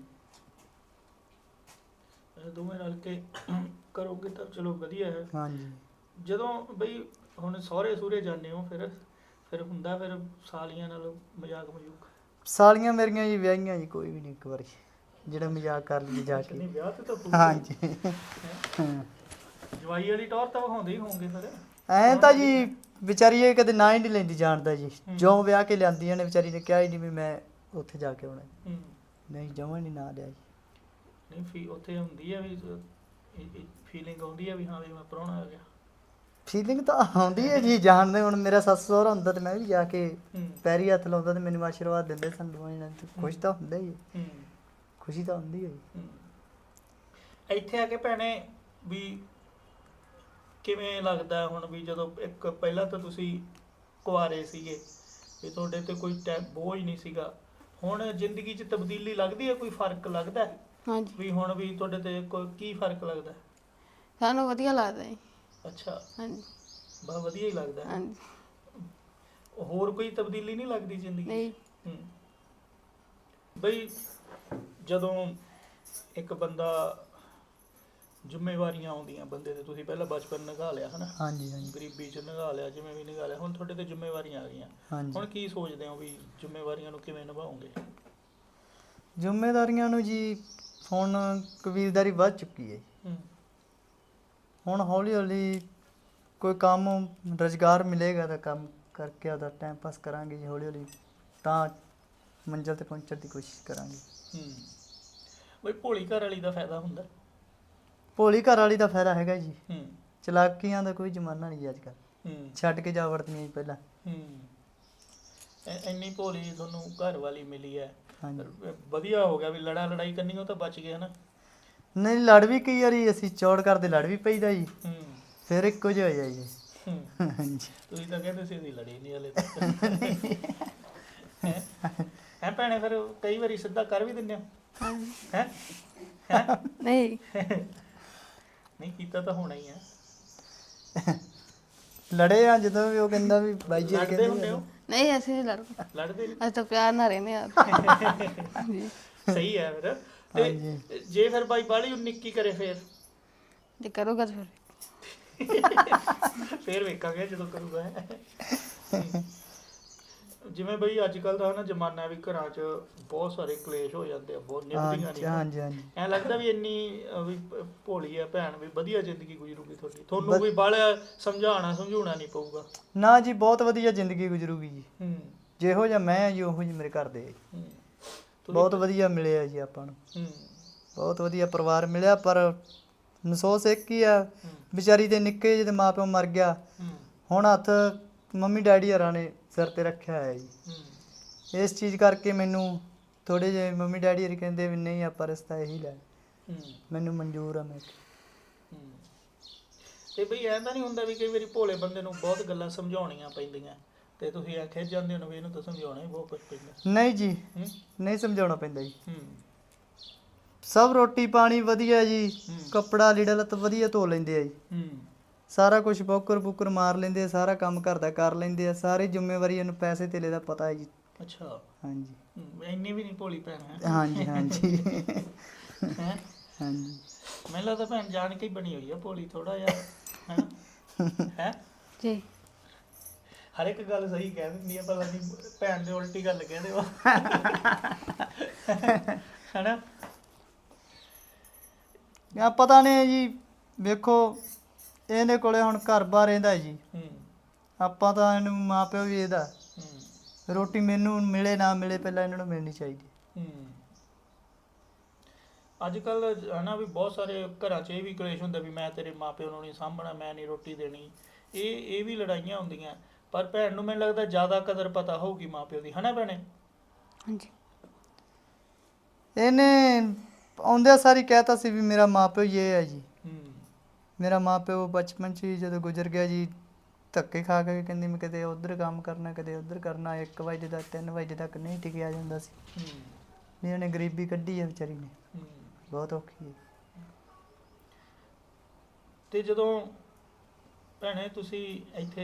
[SPEAKER 1] ਇਹ ਦੋਵੇਂ ਰਲ ਕੇ ਕਰੋਗੇ ਤਾਂ ਚਲੋ ਵਧੀਆ ਹੈ।
[SPEAKER 3] ਹਾਂਜੀ
[SPEAKER 1] ਜਦੋਂ ਬਈ ਹੁਣ ਸਹੁਰੇ ਸੂਰੇ ਜਾਂਦੇ ਹੋ ਫਿਰ ਹੁੰਦਾ ਫਿਰ ਸਾਲੀਆਂ ਨਾਲ ਮਜ਼ਾਕ ਮਜੂਕ?
[SPEAKER 3] ਸਾਲੀਆਂ ਮੇਰੀਆਂ ਜੀ ਵਿਆਹੀਆਂ ਜੀ, ਕੋਈ ਵੀ ਨਹੀਂ ਇੱਕ ਵਾਰੀ ਜਿਹੜਾ ਮਜ਼ਾਕ ਕਰ ਲਈ ਜਾ
[SPEAKER 1] ਨਹੀਂ
[SPEAKER 3] ਕੇ।
[SPEAKER 1] ਵਿਆਹ ਤੇ ਤਾਂ ਹੋਊਗਾ।
[SPEAKER 3] ਹਾਂਜੀ
[SPEAKER 1] ਹੈਂ? ਜਵਾਈ ਵਾਲੀ ਟੌਰ ਤਾਂ ਵਿਖਾਉਂਦੇ ਹੀ ਹੋਣਗੇ ਫਿਰ?
[SPEAKER 3] ਐਂ ਤਾਂ ਜੀ ਵਿਚਾਰੀ ਇਹ ਕਦੇ ਨਾ ਹੀ ਨਹੀਂ ਲੈਂਦੀ ਜਾਣਦਾ ਜੀ,
[SPEAKER 1] ਹੂੰ।
[SPEAKER 3] ਜੋ ਵਿਆਹ ਕੇ ਲਿਆਂਦੀਆਂ ਨੇ ਵਿਚਾਰੀ ਨੇ ਕਿਹਾ ਹੀ ਨਹੀਂ ਵੀ ਮੈਂ ਉੱਥੇ ਜਾ ਕੇ ਆਉਣਾ,
[SPEAKER 1] ਹੂੰ।
[SPEAKER 3] ਨਹੀਂ ਜਮਾਂ ਨਹੀਂ ਨਾ ਲਿਆ ਜੀ।
[SPEAKER 1] ਨਹੀਂ ਉੱਥੇ ਹੁੰਦੀ ਹੈ ਵੀ ਫੀਲਿੰਗ ਆਉਂਦੀ ਹੈ ਵੀ ਹਾਂ ਵੀ ਮੈਂ ਪ੍ਰਾਹੁਣਾ ਆ ਗਿਆ?
[SPEAKER 3] ਫੀਲਿੰਗ ਤਾਂ ਆਉਂਦੀ ਹੈ ਜੀ, ਜਾਣਦੇ ਹੁਣ ਮੇਰਾ ਸੱਸ ਸਹੁਰਾ ਹੁੰਦਾ ਤੇ ਮੈਂ ਵੀ ਜਾ ਕੇ
[SPEAKER 1] ਹੂੰ।
[SPEAKER 3] ਪੈਰੀ ਹੱਥ ਲਾਉਂਦਾ ਤੇ ਮੈਨੂੰ ਆਸ਼ੀਰਵਾਦ ਦਿੰਦੇ ਸਨ ਦੋਵਾਂ ਜਣਿਆਂ ਨੂੰ, ਖੁਸ਼ ਤਾਂ ਹੁੰਦਾ ਹੀ ਹੈ,
[SPEAKER 1] ਹੂੰ।
[SPEAKER 3] ਖੁਸ਼ੀ ਤਾਂ ਹੁੰਦੀ ਹੈ ਜੀ।
[SPEAKER 1] ਹੂੰ। ਇੱਥੇ ਆ ਕੇ ਭੈਣੇ ਵੀ ਕਿਵੇਂ ਲੱਗਦਾ ਹੁਣ ਵੀ ਜਦੋਂ ਇੱਕ ਪਹਿਲਾਂ ਤਾਂ ਤੁਸੀਂ ਕੁਆਰੇ ਸੀਗੇ ਵੀ ਤੁਹਾਡੇ ਤੇ ਕੋਈ ਬੋਝ ਨਹੀਂ ਸੀਗਾ, ਹੁਣ ਜ਼ਿੰਦਗੀ 'ਚ ਤਬਦੀਲੀ ਲੱਗਦੀ ਹੈ, ਕੋਈ ਫਰਕ ਲੱਗਦਾ ਹੈ
[SPEAKER 2] ਹਾਂਜੀ
[SPEAKER 1] ਵੀ ਹੁਣ ਵੀ ਤੁਹਾਡੇ ਤੇ ਕੋਈ ਕੀ ਫਰਕ ਲੱਗਦਾ?
[SPEAKER 2] ਸਾਨੂੰ ਵਧੀਆ ਲੱਗਦਾ ਜੀ।
[SPEAKER 1] ਅੱਛਾ
[SPEAKER 2] ਹਾਂਜੀ
[SPEAKER 1] ਬਹੁਤ ਵਧੀਆ ਹੀ ਲੱਗਦਾ ਹੈ।
[SPEAKER 2] ਹਾਂਜੀ
[SPEAKER 1] ਹੋਰ ਕੋਈ ਤਬਦੀਲੀ ਨਹੀਂ ਲੱਗਦੀ ਜ਼ਿੰਦਗੀ 'ਚ?
[SPEAKER 2] ਨਹੀਂ
[SPEAKER 1] ਹੂੰ। ਬਈ ਜਦੋਂ ਇੱਕ ਬੰਦਾ ਜ਼ਿੰਮੇਵਾਰੀਆਂ ਆਉਂਦੀਆਂ ਬੰਦੇ ਤੇ, ਤੁਸੀਂ ਪਹਿਲਾਂ ਬਚਪਨ ਨਿਭਾ ਲਿਆ ਹਨਾ,
[SPEAKER 3] ਹਾਂਜੀ ਹਾਂਜੀ
[SPEAKER 1] ਗਰੀਬੀ 'ਚ ਨਿਭਾ ਲਿਆ, ਜਿਵੇਂ ਵੀ ਨਿਭਾ ਲਿਆ, ਹੁਣ ਤੁਹਾਡੇ ਤੇ ਜ਼ਿੰਮੇਵਾਰੀਆਂ ਆ ਗਈਆਂ,
[SPEAKER 3] ਹਾਂਜੀ।
[SPEAKER 1] ਹੁਣ ਕੀ ਸੋਚਦੇ ਹੋ ਵੀ ਜ਼ਿੰਮੇਵਾਰੀਆਂ ਨੂੰ ਕਿਵੇਂ ਨਿਭਾਓਗੇ?
[SPEAKER 3] ਜ਼ਿੰਮੇਦਾਰੀਆਂ ਨੂੰ ਜੀ ਹੁਣ ਕਬੀਲਦਾਰੀ ਵੱਧ ਚੁੱਕੀ ਹੈ ਜੀ।
[SPEAKER 1] ਹੂੰ।
[SPEAKER 3] ਹੁਣ ਹੌਲੀ ਹੌਲੀ ਕੋਈ ਕੰਮ ਰੁਜ਼ਗਾਰ ਮਿਲੇਗਾ ਤਾਂ ਕੰਮ ਕਰਕੇ ਆਪਦਾ ਟਾਈਮ ਪਾਸ ਕਰਾਂਗੇ ਜੀ, ਹੌਲੀ ਹੌਲੀ ਤਾਂ ਮੰਜ਼ਿਲ ਤੇ ਪਹੁੰਚਣ ਦੀ ਕੋਸ਼ਿਸ਼ ਕਰਾਂਗੇ।
[SPEAKER 1] ਹੂੰ। ਬਈ ਭੋਲੀ ਘਰ ਵਾਲੀ ਦਾ ਫਾਇਦਾ ਹੁੰਦਾ?
[SPEAKER 3] ਭੋਲੀ ਘਰ ਵਾਲੀ ਦਾ ਫਾਇਦਾ ਹੈਗਾ ਜੀ,
[SPEAKER 1] ਹੂੰ।
[SPEAKER 3] ਚਲਾਕੀਆਂ ਦਾ ਕੋਈ ਜ਼ਮਾਨਾ ਨਹੀਂ ਜੀ ਅੱਜ ਕੱਲ੍ਹ,
[SPEAKER 1] ਹੂੰ।
[SPEAKER 3] ਛੱਡ ਕੇ ਜਾ ਵੜਦੀਆਂ ਜੀ ਪਹਿਲਾਂ।
[SPEAKER 1] ਹੂੰ। ਇੰਨੀ ਭੋਲੀ ਤੁਹਾਨੂੰ ਘਰ ਵਾਲੀ ਮਿਲੀ ਹੈ,
[SPEAKER 3] ਹਾਂਜੀ
[SPEAKER 1] ਵਧੀਆ ਹੋ ਗਿਆ ਵੀ ਲੜਾਈ ਕਰਨੀ ਉਹ ਤਾਂ ਬਚ ਗਏ ਹਨਾ?
[SPEAKER 3] ਨਹੀਂ ਲੜ ਵੀ ਕਈ ਵਾਰੀ ਅਸੀਂ ਚੌੜ ਕਰਦੇ ਲੜ ਵੀ ਪਈਦਾ ਜੀ,
[SPEAKER 1] ਹੂੰ।
[SPEAKER 3] ਫਿਰ ਇੱਕੋ ਜਿਹਾ ਹੋ ਜਾਈ ਜੀ। ਹਾਂਜੀ
[SPEAKER 1] ਤੁਸੀਂ ਤਾਂ ਕਹਿੰਦੇ ਸੀ ਅਸੀਂ ਲੜੇ ਨਹੀਂ ਹਲੇ ਤੱਕ ਹੈ ਭੈਣੇ ਫਿਰ ਕਈ ਵਾਰੀ ਸਿੱਧਾ ਕਰ ਵੀ ਦਿੰਦੇ ਹੋ ਹੈ
[SPEAKER 2] ਨਹੀਂ
[SPEAKER 1] ਨਹੀਂ ਕੀਤਾ ਤਾਂ ਹੋਣਾ ਹੀ ਹੈ
[SPEAKER 3] ਲੜੇ ਆ ਜਦੋਂ ਵੀ ਉਹ ਕਹਿੰਦਾ ਵੀ ਬਾਈ ਜੀ
[SPEAKER 1] ਲੜਦੇ ਹੁੰਦੇ ਹੋ
[SPEAKER 2] ਨਹੀਂ ਅਸੀਂ ਨਹੀਂ ਲੜਦੇ
[SPEAKER 1] ਲੜਦੇ ਨਹੀਂ
[SPEAKER 2] ਅਸੀਂ ਤਾਂ ਪਿਆਰ ਨਾਲ ਰਹਿੰਦੇ ਆ ਹਾਂਜੀ
[SPEAKER 1] ਸਹੀ ਹੈ ਫਿਰ ਤੇ ਜੇ ਫਿਰ ਬਾਈ ਬਾਲੀ ਨਿੱਕੀ ਕਰੇ
[SPEAKER 2] ਜੇ ਕਰੂਗਾ ਤਾਂ
[SPEAKER 1] ਫਿਰ ਵੇਖਾਂਗੇ ਜਦੋਂ ਕਰੂਗਾ ਜਿਵੇਂ ਬਈ ਅੱਜ ਕੱਲ ਦਾ ਨਾ ਜ਼ਮਾਨਾ ਵੀ ਘਰਾਂ 'ਚ ਬਹੁਤ ਸਾਰੇ ਕਲੇਸ਼ ਹੋ ਜਾਂਦੇ ਆ ਬਹੁਤ ਨਿਭਦੀਆਂ ਨਹੀਂ
[SPEAKER 3] ਹਾਂਜੀ ਹਾਂਜੀ
[SPEAKER 1] ਐ ਲੱਗਦਾ ਵੀ ਇੰਨੀ ਵੀ ਭੋਲੀ ਆ ਭੈਣ ਵੀ ਵਧੀਆ ਜ਼ਿੰਦਗੀ ਗੁਜ਼ਰੂਗੀ ਤੁਹਾਡੀ ਤੁਹਾਨੂੰ ਕੋਈ ਬਾਹਲਾ ਸਮਝਾਉਣਾ ਨਹੀਂ ਪਊਗਾ
[SPEAKER 3] ਨਾ ਜੀ ਬਹੁਤ ਵਧੀਆ ਜ਼ਿੰਦਗੀ ਗੁਜ਼ਰੂਗੀ ਜੀ
[SPEAKER 1] ਹੂੰ
[SPEAKER 3] ਜਿਹੋ ਜਿਹਾ ਮੈਂ ਆ ਜੀ ਉਹੋ ਜਿਹੇ ਮੇਰੇ ਘਰ ਦੇ ਆ ਜੀ।
[SPEAKER 1] ਹੂੰ
[SPEAKER 3] ਬਹੁਤ ਵਧੀਆ ਮਿਲਿਆ ਜੀ ਆਪਾਂ ਨੂੰ
[SPEAKER 1] ਹੂੰ
[SPEAKER 3] ਬਹੁਤ ਵਧੀਆ ਪਰਿਵਾਰ ਮਿਲਿਆ ਪਰ ਅਫਸੋਸ ਇੱਕ ਹੀ ਆ ਵਿਚਾਰੀ ਦੇ ਨਿੱਕੇ ਜਿਹੇ ਮਾਪਿਓ ਮਰ ਗਿਆ
[SPEAKER 1] ਹੂੰ
[SPEAKER 3] ਹੁਣ ਹੱਥ ਮੰਮੀ ਡੈਡੀ ਹਰਾਂ ਨੇ ਸਿਰ ਤੇ ਰੱਖਿਆ ਹੋਇਆ ਜੀ
[SPEAKER 1] ਹੂੰ
[SPEAKER 3] ਇਸ ਚੀਜ਼ ਕਰਕੇ ਮੈਨੂੰ ਥੋੜੇ ਜਿਹੇ ਮੰਮੀ ਡੈਡੀ ਹਰੀ ਕਹਿੰਦੇ ਵੀ ਨਹੀਂ ਆਪਾਂ ਰਿਸ਼ਤਾ ਇਹੀ ਲੈ
[SPEAKER 1] ਹੂੰ
[SPEAKER 3] ਮੈਨੂੰ ਮਨਜ਼ੂਰ ਆ ਮੈਂ ਕਿਹਾ।
[SPEAKER 1] ਹੂੰ। ਤੇ ਬਈ ਐਂ ਤਾਂ ਨਹੀਂ ਹੁੰਦਾ ਵੀ ਕਈ ਵਾਰੀ ਭੋਲੇ ਬੰਦੇ ਨੂੰ ਬਹੁਤ ਗੱਲਾਂ ਸਮਝਾਉਣੀਆਂ ਪੈਂਦੀਆਂ ਤੇ ਤੁਸੀਂ ਐ ਖਿੱਚ ਜਾਂਦੇ ਹੋ ਵੀ ਇਹਨੂੰ ਤਾਂ ਸਮਝਾਉਣਾ ਹੀ ਬਹੁਤ ਕੁਝ ਪੈਂਦਾ
[SPEAKER 3] ਨਹੀਂ ਜੀ
[SPEAKER 1] ਹੂੰ
[SPEAKER 3] ਨਹੀਂ ਸਮਝਾਉਣਾ ਪੈਂਦਾ ਜੀ
[SPEAKER 1] ਹੂੰ
[SPEAKER 3] ਸਭ ਰੋਟੀ ਪਾਣੀ ਵਧੀਆ ਜੀ ਕੱਪੜਾ ਲੀੜਾ ਲੱਤ ਵਧੀਆ ਧੋ ਲੈਂਦੇ ਆ ਜੀ
[SPEAKER 1] ਹੂੰ
[SPEAKER 3] ਸਾਰਾ ਕੁਝ ਬੁੱਕਰ ਮਾਰ ਲੈਂਦੇ ਆ ਸਾਰਾ ਕੰਮ ਘਰ ਦਾ ਕਰ ਲੈਂਦੇ ਆ ਸਾਰੀ ਜ਼ਿੰਮੇਵਾਰੀ ਇਹਨੂੰ ਪੈਸੇ ਧੇਲੇ ਦਾ ਪਤਾ ਹੈ ਜੀ
[SPEAKER 1] ਅੱਛਾ
[SPEAKER 3] ਹਾਂਜੀ
[SPEAKER 1] ਇੰਨੀ ਵੀ ਨਹੀਂ ਭੋਲੀ ਭੈਣ ਹੈ
[SPEAKER 3] ਹਾਂਜੀ ਹਾਂਜੀ
[SPEAKER 1] ਹੈ
[SPEAKER 3] ਹਾਂਜੀ
[SPEAKER 1] ਮੈਨੂੰ ਲੱਗਦਾ ਭੈਣ ਜਾਣ ਕੇ ਹੀ ਬਣੀ ਹੋਈ ਆ ਭੋਲੀ ਥੋੜਾ ਜਿਹਾ ਹੈ
[SPEAKER 2] ਜੀ
[SPEAKER 1] ਹਰ ਇੱਕ ਗੱਲ ਸਹੀ ਕਹਿ ਦਿੰਦੀ ਆ ਪਤਾ ਨਹੀਂ ਭੈਣ ਦੇ ਉਲਟੀ ਗੱਲ ਕਹਿੰਦੇ ਹੋ ਹੈਨਾ
[SPEAKER 3] ਆ ਪਤਾ ਨਹੀਂ ਜੀ ਵੇਖੋ ਇਹਦੇ ਕੋਲੇ ਹੁਣ ਘਰ-ਬਾਰ ਰਹਿੰਦਾ ਜੀ
[SPEAKER 1] ਹੂੰ
[SPEAKER 3] ਆਪਾਂ ਤਾਂ ਇਹਨੂੰ ਮਾਪਿਓ ਵੀ ਇਹਦਾ
[SPEAKER 1] ਹੂੰ
[SPEAKER 3] ਰੋਟੀ ਮੈਨੂੰ ਮਿਲੇ ਨਾ ਮਿਲੇ ਪਹਿਲਾਂ ਇਹਨਾਂ ਨੂੰ ਮਿਲਣੀ ਚਾਹੀਦੀ
[SPEAKER 1] ਹੂੰ ਅੱਜ ਕੱਲ ਹਨਾ ਵੀ ਬਹੁਤ ਸਾਰੇ ਘਰਾਂ 'ਚ ਇਹ ਵੀ ਕਲੇਸ਼ ਹੁੰਦਾ ਵੀ ਮੈਂ ਤੇਰੇ ਮਾਪਿਓ ਨੂੰ ਨਹੀਂ ਸਾਂਭਣਾ ਮੈਂ ਨਹੀਂ ਰੋਟੀ ਦੇਣੀ ਇਹ ਵੀ ਲੜਾਈਆਂ ਹੁੰਦੀਆਂ ਪਰ ਭੈਣ ਨੂੰ ਮੈਨੂੰ ਲੱਗਦਾ ਜ਼ਿਆਦਾ ਕਦਰ ਪਤਾ ਹੋਊਗੀ ਮਾਪਿਓ ਦੀ ਹਨਾ ਭੈਣੇ
[SPEAKER 2] ਹਾਂਜੀ
[SPEAKER 3] ਇਹਨੇ ਆਉਂਦਿਆਂ ਸਾਰੀ ਕਹਿਤਾ ਸੀ ਵੀ ਮੇਰਾ ਮਾਪਿਓ ਇਹ ਹੈ ਜੀ
[SPEAKER 1] ਹੂੰ
[SPEAKER 3] ਮੇਰਾ ਮਾਪਿਓ ਬਚਪਨ 'ਚ ਹੀ ਜਦੋਂ ਗੁਜ਼ਰ ਗਿਆ ਜੀ ਧੱਕੇ ਖਾ ਕੇ ਕਹਿੰਦੀ ਮੈਂ ਕਦੇ ਉਧਰ ਕੰਮ ਕਰਨਾ ਕਦੇ ਉਧਰ ਕਰਨਾ 1 ਵਜੇ ਦਾ 3 ਵਜੇ ਤੱਕ ਨਹੀਂ ਟਿਕਿਆ ਜਾਂਦਾ ਸੀ
[SPEAKER 1] ਹੂੰ
[SPEAKER 3] ਵੀ ਉਹਨੇ ਗਰੀਬੀ ਕੱਢੀ ਹੈ ਵਿਚਾਰੀ ਨੇ
[SPEAKER 1] ਹੂੰ
[SPEAKER 3] ਬਹੁਤ ਔਖੀ ਹੈ
[SPEAKER 1] ਤੇ ਜਦੋਂ ਭੈਣੇ ਤੁਸੀਂ ਇੱਥੇ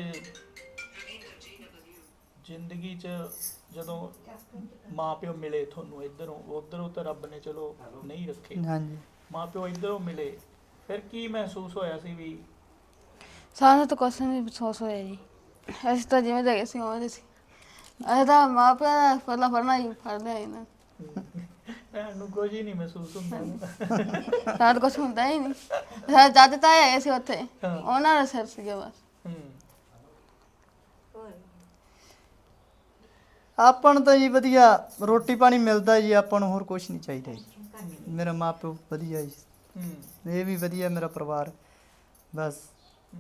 [SPEAKER 1] ਜ਼ਿੰਦਗੀ 'ਚ ਜਦੋਂ ਮਾਪਿਓ ਮਿਲੇ ਤੁਹਾਨੂੰ ਉੱਧਰੋਂ ਤਾਂ ਰੱਬ ਨੇ ਚਲੋ ਨਹੀਂ ਰੱਖੇ
[SPEAKER 3] ਹਾਂਜੀ
[SPEAKER 1] ਮਾਪਿਓ ਇੱਧਰੋਂ ਮਿਲੇ ਫਿਰ ਕੀ ਮਹਿਸੂਸ ਹੋਇਆ ਸੀ ਵੀ
[SPEAKER 2] ਸਾਨੂੰ ਤਾਂ ਕੁਛ ਨਹੀਂ ਅਫਸੋਸ ਹੋਇਆ ਜੀ ਅਸੀਂ ਤਾਂ ਜਿਵੇਂ ਦੇ ਗਏ ਸੀ ਉਵੇਂ ਦੇ ਸੀ ਅਸੀਂ ਤਾਂ ਮਾਂ ਪਿਓ ਦਾ ਪਹਿਲਾਂ ਫੜਨਾ ਹੀ ਫੜਦੇ ਆ ਨਾ
[SPEAKER 1] ਭੈਣ ਨੂੰ ਕੁਝ ਹੀ ਨਹੀਂ ਮਹਿਸੂਸ ਹੁੰਦਾ
[SPEAKER 2] ਸਾਨੂੰ ਤਾਂ ਕੁਛ ਹੁੰਦਾ ਹੀ ਨਹੀਂ ਸਾਡੇ ਦਾਦੇ ਤਾਏ ਹੈਗੇ ਸੀ ਉੱਥੇ
[SPEAKER 1] ਹਾਂ।
[SPEAKER 2] ਉਹਨਾਂ ਦਾ ਸਿਰ ਸੀਗਾ ਬਸ
[SPEAKER 1] ਹੂੰ
[SPEAKER 3] ਆਪਾਂ ਨੂੰ ਤਾਂ ਜੀ ਵਧੀਆ ਰੋਟੀ ਪਾਣੀ ਮਿਲਦਾ ਜੀ ਆਪਾਂ ਨੂੰ ਹੋਰ ਕੁਝ ਨਹੀਂ ਚਾਹੀਦਾ ਜੀ ਮੇਰਾ ਮਾਪਿਓ ਵਧੀਆ ਜੀ
[SPEAKER 1] ਹੂੰ
[SPEAKER 3] ਇਹ ਵੀ ਵਧੀਆ ਮੇਰਾ ਪਰਿਵਾਰ ਬਸ
[SPEAKER 1] ਹੂੰ।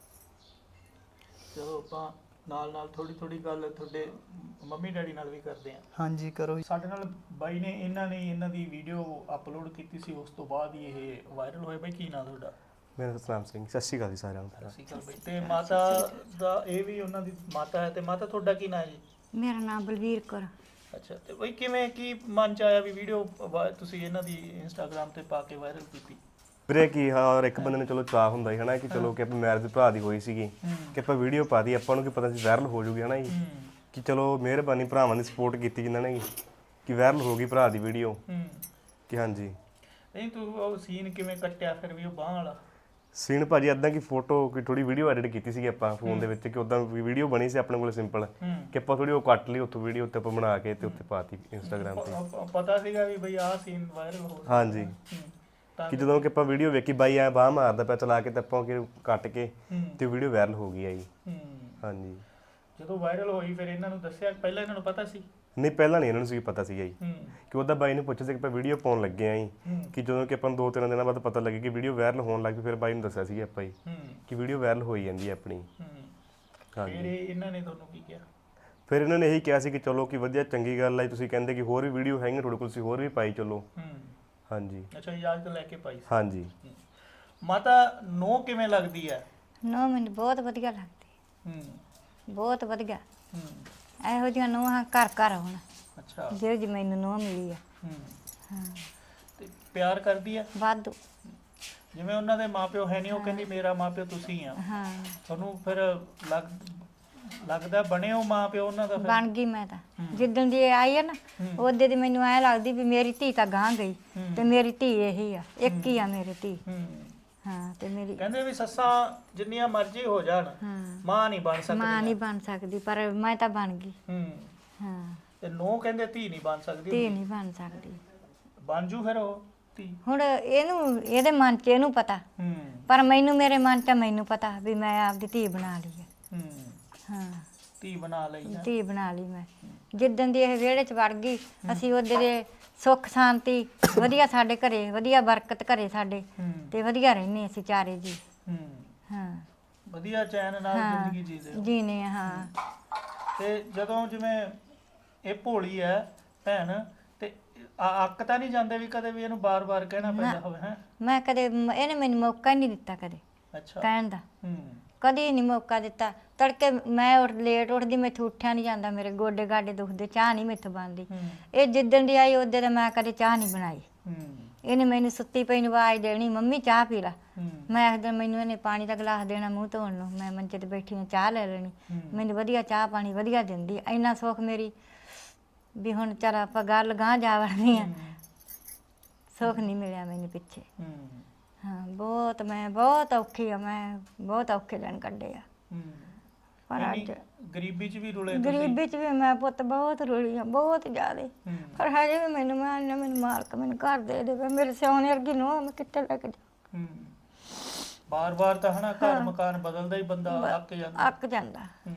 [SPEAKER 1] ਚਲੋ ਆਪਾਂ ਨਾਲ ਥੋੜੀ ਗੱਲ ਤੁਹਾਡੇ ਮੰਮੀ ਡੈਡੀ ਨਾਲ ਵੀ ਕਰਦੇ ਆਂ
[SPEAKER 3] ਹਾਂਜੀ ਕਰੋ ਜੀ।
[SPEAKER 1] ਸਾਡੇ ਨਾਲ ਬਾਈ ਨੇ ਇਹਨਾਂ ਦੀ ਵੀਡੀਓ ਅਪਲੋਡ ਕੀਤੀ ਸੀ ਉਸ ਤੋਂ ਬਾਅਦ ਹੀ ਇਹ ਵਾਇਰਲ ਹੋਇਆ। ਬਾਈ ਕੀ ਨਾਂ ਤੁਹਾਡਾ?
[SPEAKER 4] ਮੇਰਾ ਨਾਮ ਸਤਨਾਮ ਸਿੰਘ। ਸਤਿ ਸ਼੍ਰੀ ਅਕਾਲ ਜੀ ਸਾਰਿਆਂ ਨੂੰ।
[SPEAKER 1] ਸਤਿ ਸ਼੍ਰੀ ਅਕਾਲ ਬਾਈ। ਤੇ ਮਾਤਾ ਦਾ ਇਹ ਵੀ ਉਹਨਾਂ ਦੀ ਮਾਤਾ ਹੈ ਤੇ ਮਾਤਾ ਤੁਹਾਡਾ ਕੀ ਨਾਂ ਹੈ ਜੀ?
[SPEAKER 5] ਮੇਰਾ ਨਾਮ ਬਲਵੀਰ ਕੌਰ।
[SPEAKER 1] ਅੱਛਾ ਤੇ ਬਾਈ ਕਿਵੇਂ ਕੀ ਮਨ ਚ ਆਇਆ ਵੀ ਵੀਡੀਓ ਤੁਸੀਂ ਇਹਨਾਂ ਦੀ ਇੰਸਟਾਗ੍ਰam ਤੇ ਪਾ ਕੇ ਵਾਇਰਲ ਕੀਤੀ?
[SPEAKER 4] ਵੀਰੇ ਕੀ ਹਰ ਇੱਕ ਬੰਦੇ ਨੂੰ ਚਲੋ ਚਾਹ ਹੁੰਦਾ ਹੀ ਹਨਾ ਕਿ ਚਲੋ ਕਿ ਆਪਾਂ ਮੈਰਿਜ ਭਰਾ ਦੀ ਹੋਈ ਸੀਗੀ ਕਿ ਆਪਾਂ ਵੀਡੀਓ ਪਾ ਦੀ ਆਪਾਂ ਨੂੰ ਕੀ ਪਤਾ ਸੀ ਵਾਇਰਲ ਹੋ ਜੂਗੀ ਹਨਾ ਜੀ ਕਿ ਚਲੋ ਮਿਹਰਬਾਨੀ ਭਰਾਵਾਂ ਦੀ ਸਪੋਰਟ ਕੀਤੀ ਜਿਨ੍ਹਾਂ ਨੇ ਕਿ ਵਾਇਰਲ ਹੋ ਗਈ ਭਰਾ ਦੀ ਵੀਡੀਓ ਕਿ ਹਾਂਜੀ।
[SPEAKER 1] ਨਹੀਂ ਤੂੰ ਉਹ ਸੀਨ ਕਿਵੇਂ ਕੱਟਿਆ ਫਿਰ ਵੀ ਉਹ ਬਾਹ ਵਾਲਾ
[SPEAKER 4] ਸੀਨ ਭਾਜੀ ਇਦਾਂ ਕਿ ਫੋਟੋ ਕੋਈ ਥੋੜੀ ਵੀਡੀਓ ਐਡਿਟ ਕੀਤੀ ਸੀਗੀ ਆਪਾਂ ਫੋਨ ਦੇ ਵਿੱਚ ਕਿ ਉਦਾਂ ਵੀਡੀਓ ਬਣੀ ਸੀ ਆਪਣੇ ਕੋਲ ਸਿੰਪਲ ਕਿ ਆਪਾਂ ਥੋੜੀ ਉਹ ਕੱਟ ਲਈ ਉੱਥੋਂ ਵੀਡੀਓ ਉੱਤੇ ਆਪਾਂ ਬਣਾ ਕੇ ਤੇ ਉੱਤੇ ਪਾਤੀ ਇੰਸਟਾਗ੍ਰam ਤੇ।
[SPEAKER 1] ਪਤਾ ਸੀਗਾ ਵੀ ਬਈ ਆਹ ਸੀਨ ਵਾਇਰਲ ਹੋ ਗਿਆ?
[SPEAKER 4] ਹਾਂਜੀ ਕਿ ਜਦੋਂ ਕਿ ਆਪਾਂ ਵੀਡੀਓ ਵੇਖੀ ਬਾਈ ਐ ਬਾਹ ਮਾਰਦਾ ਪਿਆ ਚਲਾ ਕੇ ਤੇ ਆਪਾਂ ਕਿ ਕੱਟ ਕੇ ਤੇ ਵੀਡੀਓ ਵਾਇਰਲ ਹੋ ਗਈ ਆ ਜੀ। ਹਾਂਜੀ
[SPEAKER 1] ਜਦੋਂ ਵਾਇਰਲ ਹੋਈ ਫਿਰ ਇਹਨਾਂ ਨੂੰ ਦੱਸਿਆ ਪਹਿਲਾਂ ਇਹਨਾਂ ਨੂੰ ਪਤਾ ਸੀ?
[SPEAKER 4] ਨਹੀਂ ਪਹਿਲਾਂ ਨਹੀਂ ਇਹਨਾਂ ਨੂੰ ਸੀ ਪਤਾ ਸੀਗਾ ਜੀ ਕਿ ਉਹਦਾ ਬਾਈ ਨੂੰ ਪੁੱਛਿਆ ਸੀ ਕਿ ਆਪਾਂ ਵੀਡੀਓ ਪਾਉਣ ਲੱਗੇ ਆਂ ਜੀ ਕਿ ਜਦੋਂ ਕਿ ਆਪਾਂ ਨੂੰ 2-3 ਦਿਨਾਂ ਬਾਅਦ ਪਤਾ ਲੱਗੇ ਕਿ ਵੀਡੀਓ ਵਾਇਰਲ ਹੋਣ ਲੱਗ ਪਈ ਫਿਰ ਬਾਈ ਨੂੰ ਦੱਸਿਆ ਸੀ ਆਪਾਂ ਜੀ ਕਿ ਵੀਡੀਓ ਵਾਇਰਲ ਹੋਈ ਜਾਂਦੀ ਹੈ ਆਪਣੀ।
[SPEAKER 1] ਹਾਂਜੀ ਫਿਰ ਇਹਨਾਂ ਨੇ ਤੁਹਾਨੂੰ ਕੀ ਕਿਹਾ?
[SPEAKER 4] ਫਿਰ ਇਹਨਾਂ ਨੇ ਇਹੀ ਕਿਹਾ ਸੀ ਕਿ ਚਲੋ ਕਿ ਵਧੀਆ ਚੰਗੀ ਗੱਲ ਹੈ ਤੁਸੀਂ ਕਹਿੰਦੇ ਕਿ ਹੋਰ ਵੀ ਵੀਡੀਓ ਹੈਗੀਆਂ ਤੁਹਾਡੇ ਕੋਲ ਤੁਸੀਂ ਹੋਰ ਵੀ ਪਾਈ ਚਲੋ। ਹਾਂਜੀ
[SPEAKER 1] ਅੱਛਾ ਇਜਾਜ਼ਤ ਲੈ ਕੇ ਪਾਈ ਸੀ?
[SPEAKER 4] ਹਾਂਜੀ।
[SPEAKER 1] ਮਾਤਾ ਨੋ ਕਿਵੇਂ ਲੱਗਦੀ ਹੈ?
[SPEAKER 5] ਨੂੰਹ ਮੈਨੂੰ ਬਹੁਤ ਵਧੀਆ ਲੱਗਦੀ,
[SPEAKER 1] ਹੂੰ
[SPEAKER 5] ਬਹੁਤ ਵਧੀਆ।
[SPEAKER 1] ਹੂੰ
[SPEAKER 5] ਇਹੋ ਜਿਹੀਆਂ ਨੂੰਹਾਂ ਘਰ ਘਰ ਹੋਣ,
[SPEAKER 1] ਅੱਛਾ
[SPEAKER 5] ਜਿਹੋ ਜਿਹੀ ਮੈਨੂੰ ਨੂੰਹ ਮਿਲੀ ਆ।
[SPEAKER 1] ਹੂੰ
[SPEAKER 5] ਹਾਂ,
[SPEAKER 1] ਤੇ ਪਿਆਰ ਕਰਦੀ ਆ
[SPEAKER 5] ਵਾਧੂ।
[SPEAKER 1] ਜਿਵੇਂ ਉਹਨਾਂ ਦੇ ਮਾਪਿਓ ਹੈ ਨਹੀਂ, ਉਹ ਕਹਿੰਦੀ ਮੇਰਾ ਮਾਪਿਓ ਤੁਸੀਂ ਆ,
[SPEAKER 5] ਹਾਂ,
[SPEAKER 1] ਤੁਹਾਨੂੰ ਫਿਰ ਲੱਗਦਾ ਬਣੇ ਹੋ ਮਾਪਿਓ ਉਹਨਾਂ ਦਾ ਫਿਰ?
[SPEAKER 5] ਬਣ ਗਈ ਮੈਂ ਤਾਂ। ਜਿੱਦਣ ਦੀ ਇਹ ਆਈ ਆ ਨਾ, ਉਹਦੇ ਦੀ ਮੈਨੂੰ ਐ ਲੱਗਦੀ ਵੀ ਮੇਰੀ ਧੀ ਤਾਂ ਗਾਂ ਗਈ, ਤੇ ਮੇਰੀ ਧੀ ਇਹੀ ਆ, ਇੱਕ ਹੀ ਆ ਮੇਰੀ ਧੀ।
[SPEAKER 1] ਹੂੰ
[SPEAKER 5] ਹਾਂ, ਤੇ ਮੇਰੀ
[SPEAKER 1] ਕਹਿੰਦੇ ਵੀ ਸੱਸਾਂ ਜਿੰਨੀਆਂ ਮਰਜ਼ੀ ਹੋ ਜਾਣ
[SPEAKER 5] ਹਾਂ,
[SPEAKER 1] ਮਾਂ ਨਹੀਂ ਬਣ ਸਕਦੀ।
[SPEAKER 5] ਮਾਂ ਨਹੀਂ ਬਣ ਸਕਦੀ, ਪਰ ਮੈਂ ਤਾਂ ਬਣ ਗਈ।
[SPEAKER 1] ਹੂੰ
[SPEAKER 5] ਹਾਂ,
[SPEAKER 1] ਤੇ ਨੋ ਕਹਿੰਦੇ ਧੀ ਨਹੀਂ ਬਣ ਸਕਦੀ।
[SPEAKER 5] ਧੀ ਨਹੀਂ ਬਣ ਸਕਦੀ।
[SPEAKER 1] ਬਣ ਜੂ ਫਿਰ ਉਹ ਧੀ।
[SPEAKER 5] ਹੁਣ ਇਹਨੂੰ, ਇਹਦੇ ਮਨ 'ਚ ਇਹਨੂੰ ਪਤਾ,
[SPEAKER 1] ਹੂੰ
[SPEAKER 5] ਪਰ ਮੈਨੂੰ, ਮੇਰੇ ਮਨ 'ਚ ਮੈਨੂੰ ਪਤਾ ਵੀ ਮੈਂ ਆਪਦੀ ਧੀ ਬਣਾ ਲਈ ਹੈ।
[SPEAKER 1] ਹੂੰ
[SPEAKER 5] ਹਾਂ,
[SPEAKER 1] ਧੀ ਬਣਾ ਲਈ ਹੈ।
[SPEAKER 5] ਧੀ ਬਣਾ ਲਈ ਮੈਂ। ਜਿੱਦਣ ਦੀ ਇਹ ਵਿਹੜੇ 'ਚ ਵੜ ਗਈ, ਅਸੀਂ ਉਹਦੇ ਦੇ ਸੁੱਖ ਸ਼ਾਂਤੀ ਵਧੀਆ, ਸਾਡੇ ਘਰੇ ਵਧੀਆ ਬਰਕਤ ਘਰੇ ਸਾਡੇ,
[SPEAKER 1] ਹੂੰ
[SPEAKER 5] ਤੇ ਵਧੀਆ ਰਹਿੰਦੇ ਅਸੀਂ ਚਾਰੇ ਜੀ।
[SPEAKER 1] ਹੂੰ
[SPEAKER 5] ਹਾਂ,
[SPEAKER 1] ਵਧੀਆ ਚੈਨ ਨਾਲ
[SPEAKER 5] ਹਾਂ,
[SPEAKER 1] ਜ਼ਿੰਦਗੀ ਜੀਦੇ ਹੋ।
[SPEAKER 5] ਜੀਨੇ ਆ, ਹਾਂ।
[SPEAKER 1] ਤੇ ਜਦੋਂ ਜਿਵੇਂ ਇਹ ਭੋਲੀ ਹੈ ਭੈਣ, ਤੇ ਅੱਕ ਤਾਂ ਨਹੀਂ ਜਾਂਦੇ ਵੀ ਕਦੇ ਵੀ ਇਹਨੂੰ ਬਾਰ-ਬਾਰ ਕਹਿਣਾ ਪੈਂਦਾ ਹੋਵੇ? ਹੈ
[SPEAKER 5] ਮੈਂ ਕਦੇ, ਇਹਨੇ ਮੈਨੂੰ ਮੌਕਾ ਹੀ ਨਹੀਂ ਦਿੱਤਾ ਕਦੇ
[SPEAKER 1] ਅੱਛਾ।
[SPEAKER 5] ਕਹਿਣ ਦਾ,
[SPEAKER 1] ਹੂੰ
[SPEAKER 5] ਕਦੀ ਨਹੀਂ ਮੌਕਾ ਦਿੱਤਾ। ਤੜਕੇ ਮੈਂ ਲੇਟ ਉੱਠਦੀ, ਮੈਥੋਂ ਉੱਠਿਆ ਨਹੀਂ ਜਾਂਦਾ, ਮੇਰੇ ਗੋਡੇ ਗਾਡੇ ਦੁਖਦੇ, ਚਾਹ ਨਹੀਂ ਮੈਥੋਂ ਬਣਦੀ।
[SPEAKER 1] ਹੂੰ
[SPEAKER 5] ਇਹ ਜਿੱਦਣ ਦੀ ਆਈ ਉਦੋਂ ਤਾਂ ਮੈਂ ਕਦੇ ਚਾਹ ਨਹੀਂ ਬਣਾਈ।
[SPEAKER 1] ਹੂੰ
[SPEAKER 5] ਇਹਨੇ ਮੈਨੂੰ ਸੁੱਤੀ ਪਈ ਨੂੰ ਆਵਾਜ਼ ਦੇਣੀ, ਮੰਮੀ ਚਾਹ ਪੀ ਲਾ।
[SPEAKER 1] ਹੂੰ
[SPEAKER 5] ਮੈਂ ਇੱਕ ਦਿਨ, ਮੈਨੂੰ ਇਹਨੇ ਪਾਣੀ ਦਾ ਗਲਾਸ ਦੇਣਾ ਮੂੰਹ ਧੋਣ ਨੂੰ, ਮੈਂ ਮੰਚੇ ਤੇ ਬੈਠੀ ਨੂੰ ਚਾਹ ਲੈ ਲੈਣੀ। ਮੈਨੂੰ ਵਧੀਆ ਚਾਹ ਪਾਣੀ ਵਧੀਆ ਦਿੰਦੀ, ਇੰਨਾ ਸੁੱਖ ਮੇਰੀ ਵੀ ਹੁਣ ਚੱਲ ਆਪਾਂ ਗੱਲ ਗਾਂਹ ਜਾ ਵੜਨੀ ਆ। ਸੁੱਖ ਨਹੀਂ ਮਿਲਿਆ ਮੈਨੂੰ ਪਿੱਛੇ।
[SPEAKER 1] ਹੂੰ
[SPEAKER 5] ਹਾਂ, ਬਹੁਤ, ਮੈਂ ਬਹੁਤ ਔਖੀ ਆ, ਮੈਂ ਬਹੁਤ ਔਖੇ ਦਿਨ ਕੱਢੇ ਆ।
[SPEAKER 1] ਹੂੰ
[SPEAKER 5] ਪਰ
[SPEAKER 1] ਇੰਨੀ
[SPEAKER 5] ਅੱਜ
[SPEAKER 1] ਗਰੀਬੀ 'ਚ ਵੀ ਰੁਲੇ ਤੁਸੀਂ?
[SPEAKER 5] ਗਰੀਬੀ 'ਚ ਵੀ ਮੈਂ ਪੁੱਤ ਬਹੁਤ ਰੁਲੀ ਆ, ਬਹੁਤ ਜ਼ਿਆਦੇ।
[SPEAKER 1] ਹੂੰ
[SPEAKER 5] ਪਰ ਹਜੇ ਵੀ ਮੈਨੂੰ, ਮੈਂ ਨਾ, ਮੈਨੂੰ ਮਾਲਕ ਮੈਨੂੰ ਘਰ ਦੇ ਦੇਵੇ, ਮੇਰੇ ਸਿਆਣੇ ਵਰਗੀ ਨੂੰ ਮੈਂ ਕਿੱਥੇ ਲੈ ਕੇ ਜਾ।
[SPEAKER 1] ਹੂੰ ਬਾਰ-ਬਾਰ ਤਾਂ ਹਨਾ ਘਰ ਮਕਾਨ ਬਦਲਦਾ ਹੀ ਬੰਦਾ ਅੱਕ ਜਾਂਦਾ।
[SPEAKER 5] ਅੱਕ ਜਾਂਦਾ।
[SPEAKER 1] ਹੂੰ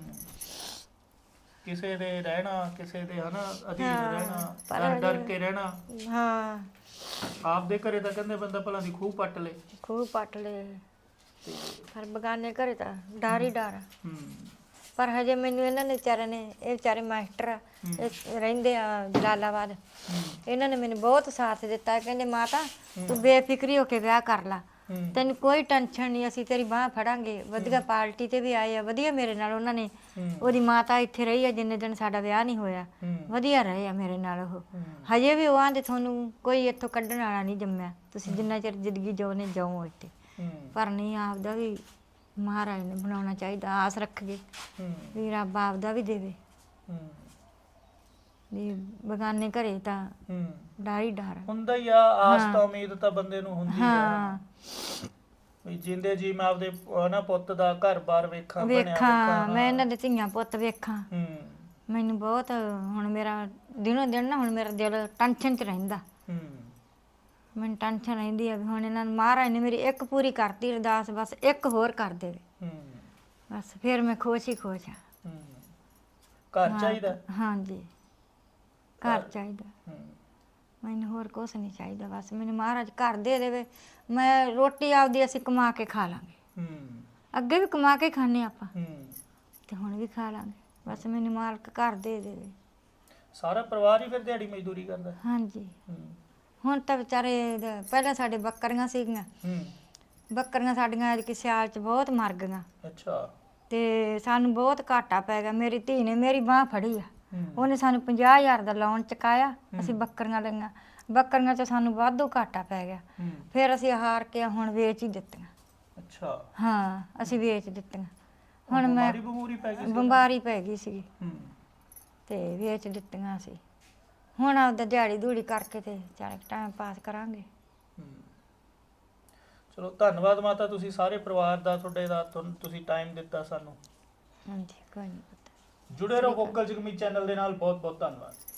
[SPEAKER 1] ਕਿਸੇ ਦੇ ਰਹਿਣਾ, ਕਿਸੇ ਦੇ ਹਨਾ ਅਧੀਨ
[SPEAKER 5] ਹਾਂ,
[SPEAKER 1] ਰਹਿਣਾ,
[SPEAKER 5] ਪਰ
[SPEAKER 1] ਡਰ ਡਰ ਕੇ ਰਹਿਣਾ।
[SPEAKER 5] ਹਾਂ,
[SPEAKER 1] ਆਪਦੇ ਘਰੇ ਤਾਂ ਕਹਿੰਦੇ ਬੰਦਾ ਭਲਾ ਦੀ ਖੂਹ ਪੱਟ ਲੇ।
[SPEAKER 5] ਖੂਹ ਪੱਟ ਲਏ, ਪਰ ਬਗਾਨੇ ਘਰੇ ਤਾਂ ਡਰ ਹੀ ਡਰ ਆ।
[SPEAKER 1] ਹੂੰ
[SPEAKER 5] ਪਰ ਹਜੇ ਮੈਨੂੰ ਇਹਨਾਂ ਨੇ ਵਿਚਾਰਿਆਂ ਨੇ, ਇਹ ਵਿਚਾਰੇ ਮਾਸਟਰ ਆ, ਇਹ ਰਹਿੰਦੇ ਆ ਜਲਾਲਾਬਾਦ, ਇਹਨਾਂ ਨੇ ਮੈਨੂੰ ਬਹੁਤ ਸਾਥ ਦਿੱਤਾ। ਕਹਿੰਦੇ ਮਾਤਾ ਤੂੰ ਬੇਫਿਕਰੀ ਹੋ ਕੇ ਵਿਆਹ ਕਰ ਲਾ, ਤੈਨੂੰ ਕੋਈ ਟੈਨਸ਼ਨ ਨਹੀਂ, ਅਸੀਂ ਤੇਰੀ ਬਾਂਹ ਫੜਾਂਗੇ। ਵਧੀਆ ਪਾਰਟੀ ਤੇ ਵੀ ਆਏ ਆ, ਵਧੀਆ ਮੇਰੇ ਨਾਲ ਉਹਨਾਂ ਨੇ, ਉਹਦੀ ਮਾਤਾ ਇੱਥੇ ਰਹੀ ਆ ਜਿੰਨੇ ਦਿਨ ਸਾਡਾ ਵਿਆਹ ਨਹੀਂ ਹੋਇਆ, ਵਧੀਆ ਰਹੇ ਆ ਮੇਰੇ ਨਾਲ ਉਹ। ਹਜੇ ਵੀ ਉਹ ਆਂਦੇ ਤੁਹਾਨੂੰ ਕੋਈ ਇੱਥੋਂ ਕੱਢਣ ਵਾਲਾ ਨਹੀਂ ਜੰਮਿਆ, ਤੁਸੀਂ ਜਿੰਨਾ ਚਿਰ ਜ਼ਿੰਦਗੀ ਜਿਉਣੇ ਜਾਓ ਇੱਥੇ। ਪਰ ਨਹੀਂ, ਆਪਦਾ ਵੀ ਮਹਾਰਾਜ ਨੇ ਬਣਾਉਣਾ ਚਾਹੀਦਾ, ਆਸ ਰੱਖੀਏ ਵੀ ਰੱਬ ਆਪਦਾ ਵੀ ਦੇਵੇ। ਵੀ ਬਗਾਨੇ ਘਰੇ ਤਾਂ ਡਰ ਹੀ ਡਰ
[SPEAKER 1] ਹੁੰਦਾ ਹੀ ਆ, ਆਸ ਤਾਂ ਉਮੀਦ ਤਾਂ ਬੰਦੇ ਨੂੰ ਹੁੰਦੀ ਆ
[SPEAKER 5] ਹਾਂ।
[SPEAKER 1] ਵੀ ਜਿੰਦੇ ਜੀ ਮੈਂ ਆਪਦੇ ਹਨਾ ਪੁੱਤ ਦਾ ਘਰ-ਬਾਰ ਵੇਖਾਂ, ਬਣਿਆ
[SPEAKER 5] ਵੇਖਾਂ, ਮੈਂ ਇਹਨਾਂ ਦੇ ਧੀਆਂ ਪੁੱਤ ਵੇਖਾਂ।
[SPEAKER 1] ਹੂੰ
[SPEAKER 5] ਮੈਨੂੰ ਬਹੁਤ ਹੁਣ ਮੇਰਾ ਦਿਨੋਂ ਦਿਨ ਨਾ, ਹੁਣ ਮੇਰਾ ਦਿਲ ਟੈਨਸ਼ਨ 'ਚ ਰਹਿੰਦਾ।
[SPEAKER 1] ਹੂੰ
[SPEAKER 5] ਮੈਨੂੰ ਟੈਨਸ਼ਨ ਰਹਿੰਦੀ ਆ ਵੀ ਹੁਣ ਇਹਨਾਂ ਨੂੰ ਮਹਾਰਾਜ ਨੇ ਮੇਰੀ ਇੱਕ ਪੂਰੀ ਕਰਤੀ ਅਰਦਾਸ, ਬਸ ਇੱਕ ਹੋਰ ਕਰ ਦੇਵੇ,
[SPEAKER 1] ਹੂੰ
[SPEAKER 5] ਬਸ ਫਿਰ ਮੈਂ ਖੁਸ਼ ਹੀ ਖੁਸ਼ ਆ।
[SPEAKER 1] ਹੂੰ ਘਰ ਚਾਹੀਦਾ।
[SPEAKER 5] ਹਾਂਜੀ, ਘਰ ਚਾਹੀਦਾ
[SPEAKER 1] ਹੂੰ
[SPEAKER 5] ਮੈਨੂੰ, ਹੋਰ ਕੁਛ ਨਹੀਂ ਚਾਹੀਦਾ। ਬਸ ਮੈਨੂੰ ਮਹਾਰਾਜ ਘਰ ਦੇ ਦੇਵੇ, ਮੈਂ ਰੋਟੀ ਆਪਦੀ ਅਸੀਂ ਕਮਾ ਕੇ ਖਾ ਲਾਂਗੇ।
[SPEAKER 1] ਹੂੰ
[SPEAKER 5] ਅੱਗੇ ਵੀ ਕਮਾ ਕੇ ਖਾਂਦੇ ਆਪਾਂ,
[SPEAKER 1] ਹੂੰ
[SPEAKER 5] ਤੇ ਹੁਣ ਵੀ ਖਾ ਲਾਂਗੇ। ਬਸ ਮੈਨੂੰ ਮਾਲਕ ਘਰ ਦੇ ਦੇਵੇ।
[SPEAKER 1] ਸਾਰਾ ਪਰਿਵਾਰ ਹੀ ਫਿਰ ਦਿਹਾੜੀ ਮਜ਼ਦੂਰੀ ਕਰਦਾ?
[SPEAKER 5] ਹਾਂਜੀ,
[SPEAKER 1] ਹੂੰ
[SPEAKER 5] ਹੁਣ ਤਾਂ ਵਿਚਾਰੇ ਪਹਿਲਾਂ ਸਾਡੇ ਬੱਕਰੀਆਂ ਸੀਗੀਆਂ,
[SPEAKER 1] ਹੂੰ
[SPEAKER 5] ਬੱਕਰੀਆਂ ਸਾਡੀਆਂ ਐਤਕੀ ਸਿਆਲ 'ਚ ਬਹੁਤ ਮਰ ਗਈਆਂ,
[SPEAKER 1] ਅੱਛਾ।
[SPEAKER 5] ਤੇ ਸਾਨੂੰ ਬਹੁਤ ਘਾਟਾ ਪੈ ਗਿਆ। ਮੇਰੀ ਧੀ ਨੇ ਮੇਰੀ ਬਾਂਹ ਫੜੀ ਆ,
[SPEAKER 1] ਹੂੰ
[SPEAKER 5] ਉਹਨੇ ਸਾਨੂੰ 50,000 ਦਾ ਲੋਨ ਚੁਕਾਇਆ, ਅਸੀਂ ਬੱਕਰੀਆਂ ਲਈਆਂ, ਬੱਕਰੀਆਂ 'ਚ ਸਾਨੂੰ ਵਾਧੂ ਘਾਟਾ ਪੈ ਗਿਆ।
[SPEAKER 1] ਹੂੰ
[SPEAKER 5] ਫਿਰ ਅਸੀਂ ਹਾਰ ਕੇ ਹੁਣ ਵੇਚ ਹੀ ਦਿੱਤੀਆਂ।
[SPEAKER 1] ਅੱਛਾ।
[SPEAKER 5] ਹਾਂ, ਅਸੀਂ ਵੇਚ ਦਿੱਤੀਆਂ। ਹੁਣ ਮੈਂ
[SPEAKER 1] ਬਿਮਾਰੀ ਪੈ ਗਈ ਸੀ?
[SPEAKER 5] ਬਿਮਾਰੀ ਪੈ ਗਈ ਸੀਗੀ,
[SPEAKER 1] ਹੂੰ
[SPEAKER 5] ਤੇ ਵੇਚ ਦਿੱਤੀਆਂ ਅਸੀਂ। ਹੁਣ ਆਪਦਾ ਦਿਹਾੜੀ ਦੂੜੀ ਕਰਕੇ ਤੇ ਚਾਰੇ ਟਾਈਮ ਪਾਸ ਕਰਾਂਗੇ।
[SPEAKER 1] ਹੂੰ ਚਲੋ ਧੰਨਵਾਦ ਮਾਤਾ, ਤੁਸੀਂ ਸਾਰੇ ਪਰਿਵਾਰ ਦਾ, ਤੁਹਾਡੇ ਦਾ ਤੁਸੀਂ ਟਾਈਮ ਦਿੱਤਾ ਸਾਨੂੰ।
[SPEAKER 5] ਹਾਂਜੀ, ਕੋਈ ਨਹੀਂ ਪਤਾ।
[SPEAKER 1] ਜੁੜੇ ਰਹੋ ਵੋਕਲ ਜਗਮੀ ਚੈਨਲ ਦੇ ਨਾਲ। ਬਹੁਤ ਬਹੁਤ ਧੰਨਵਾਦ।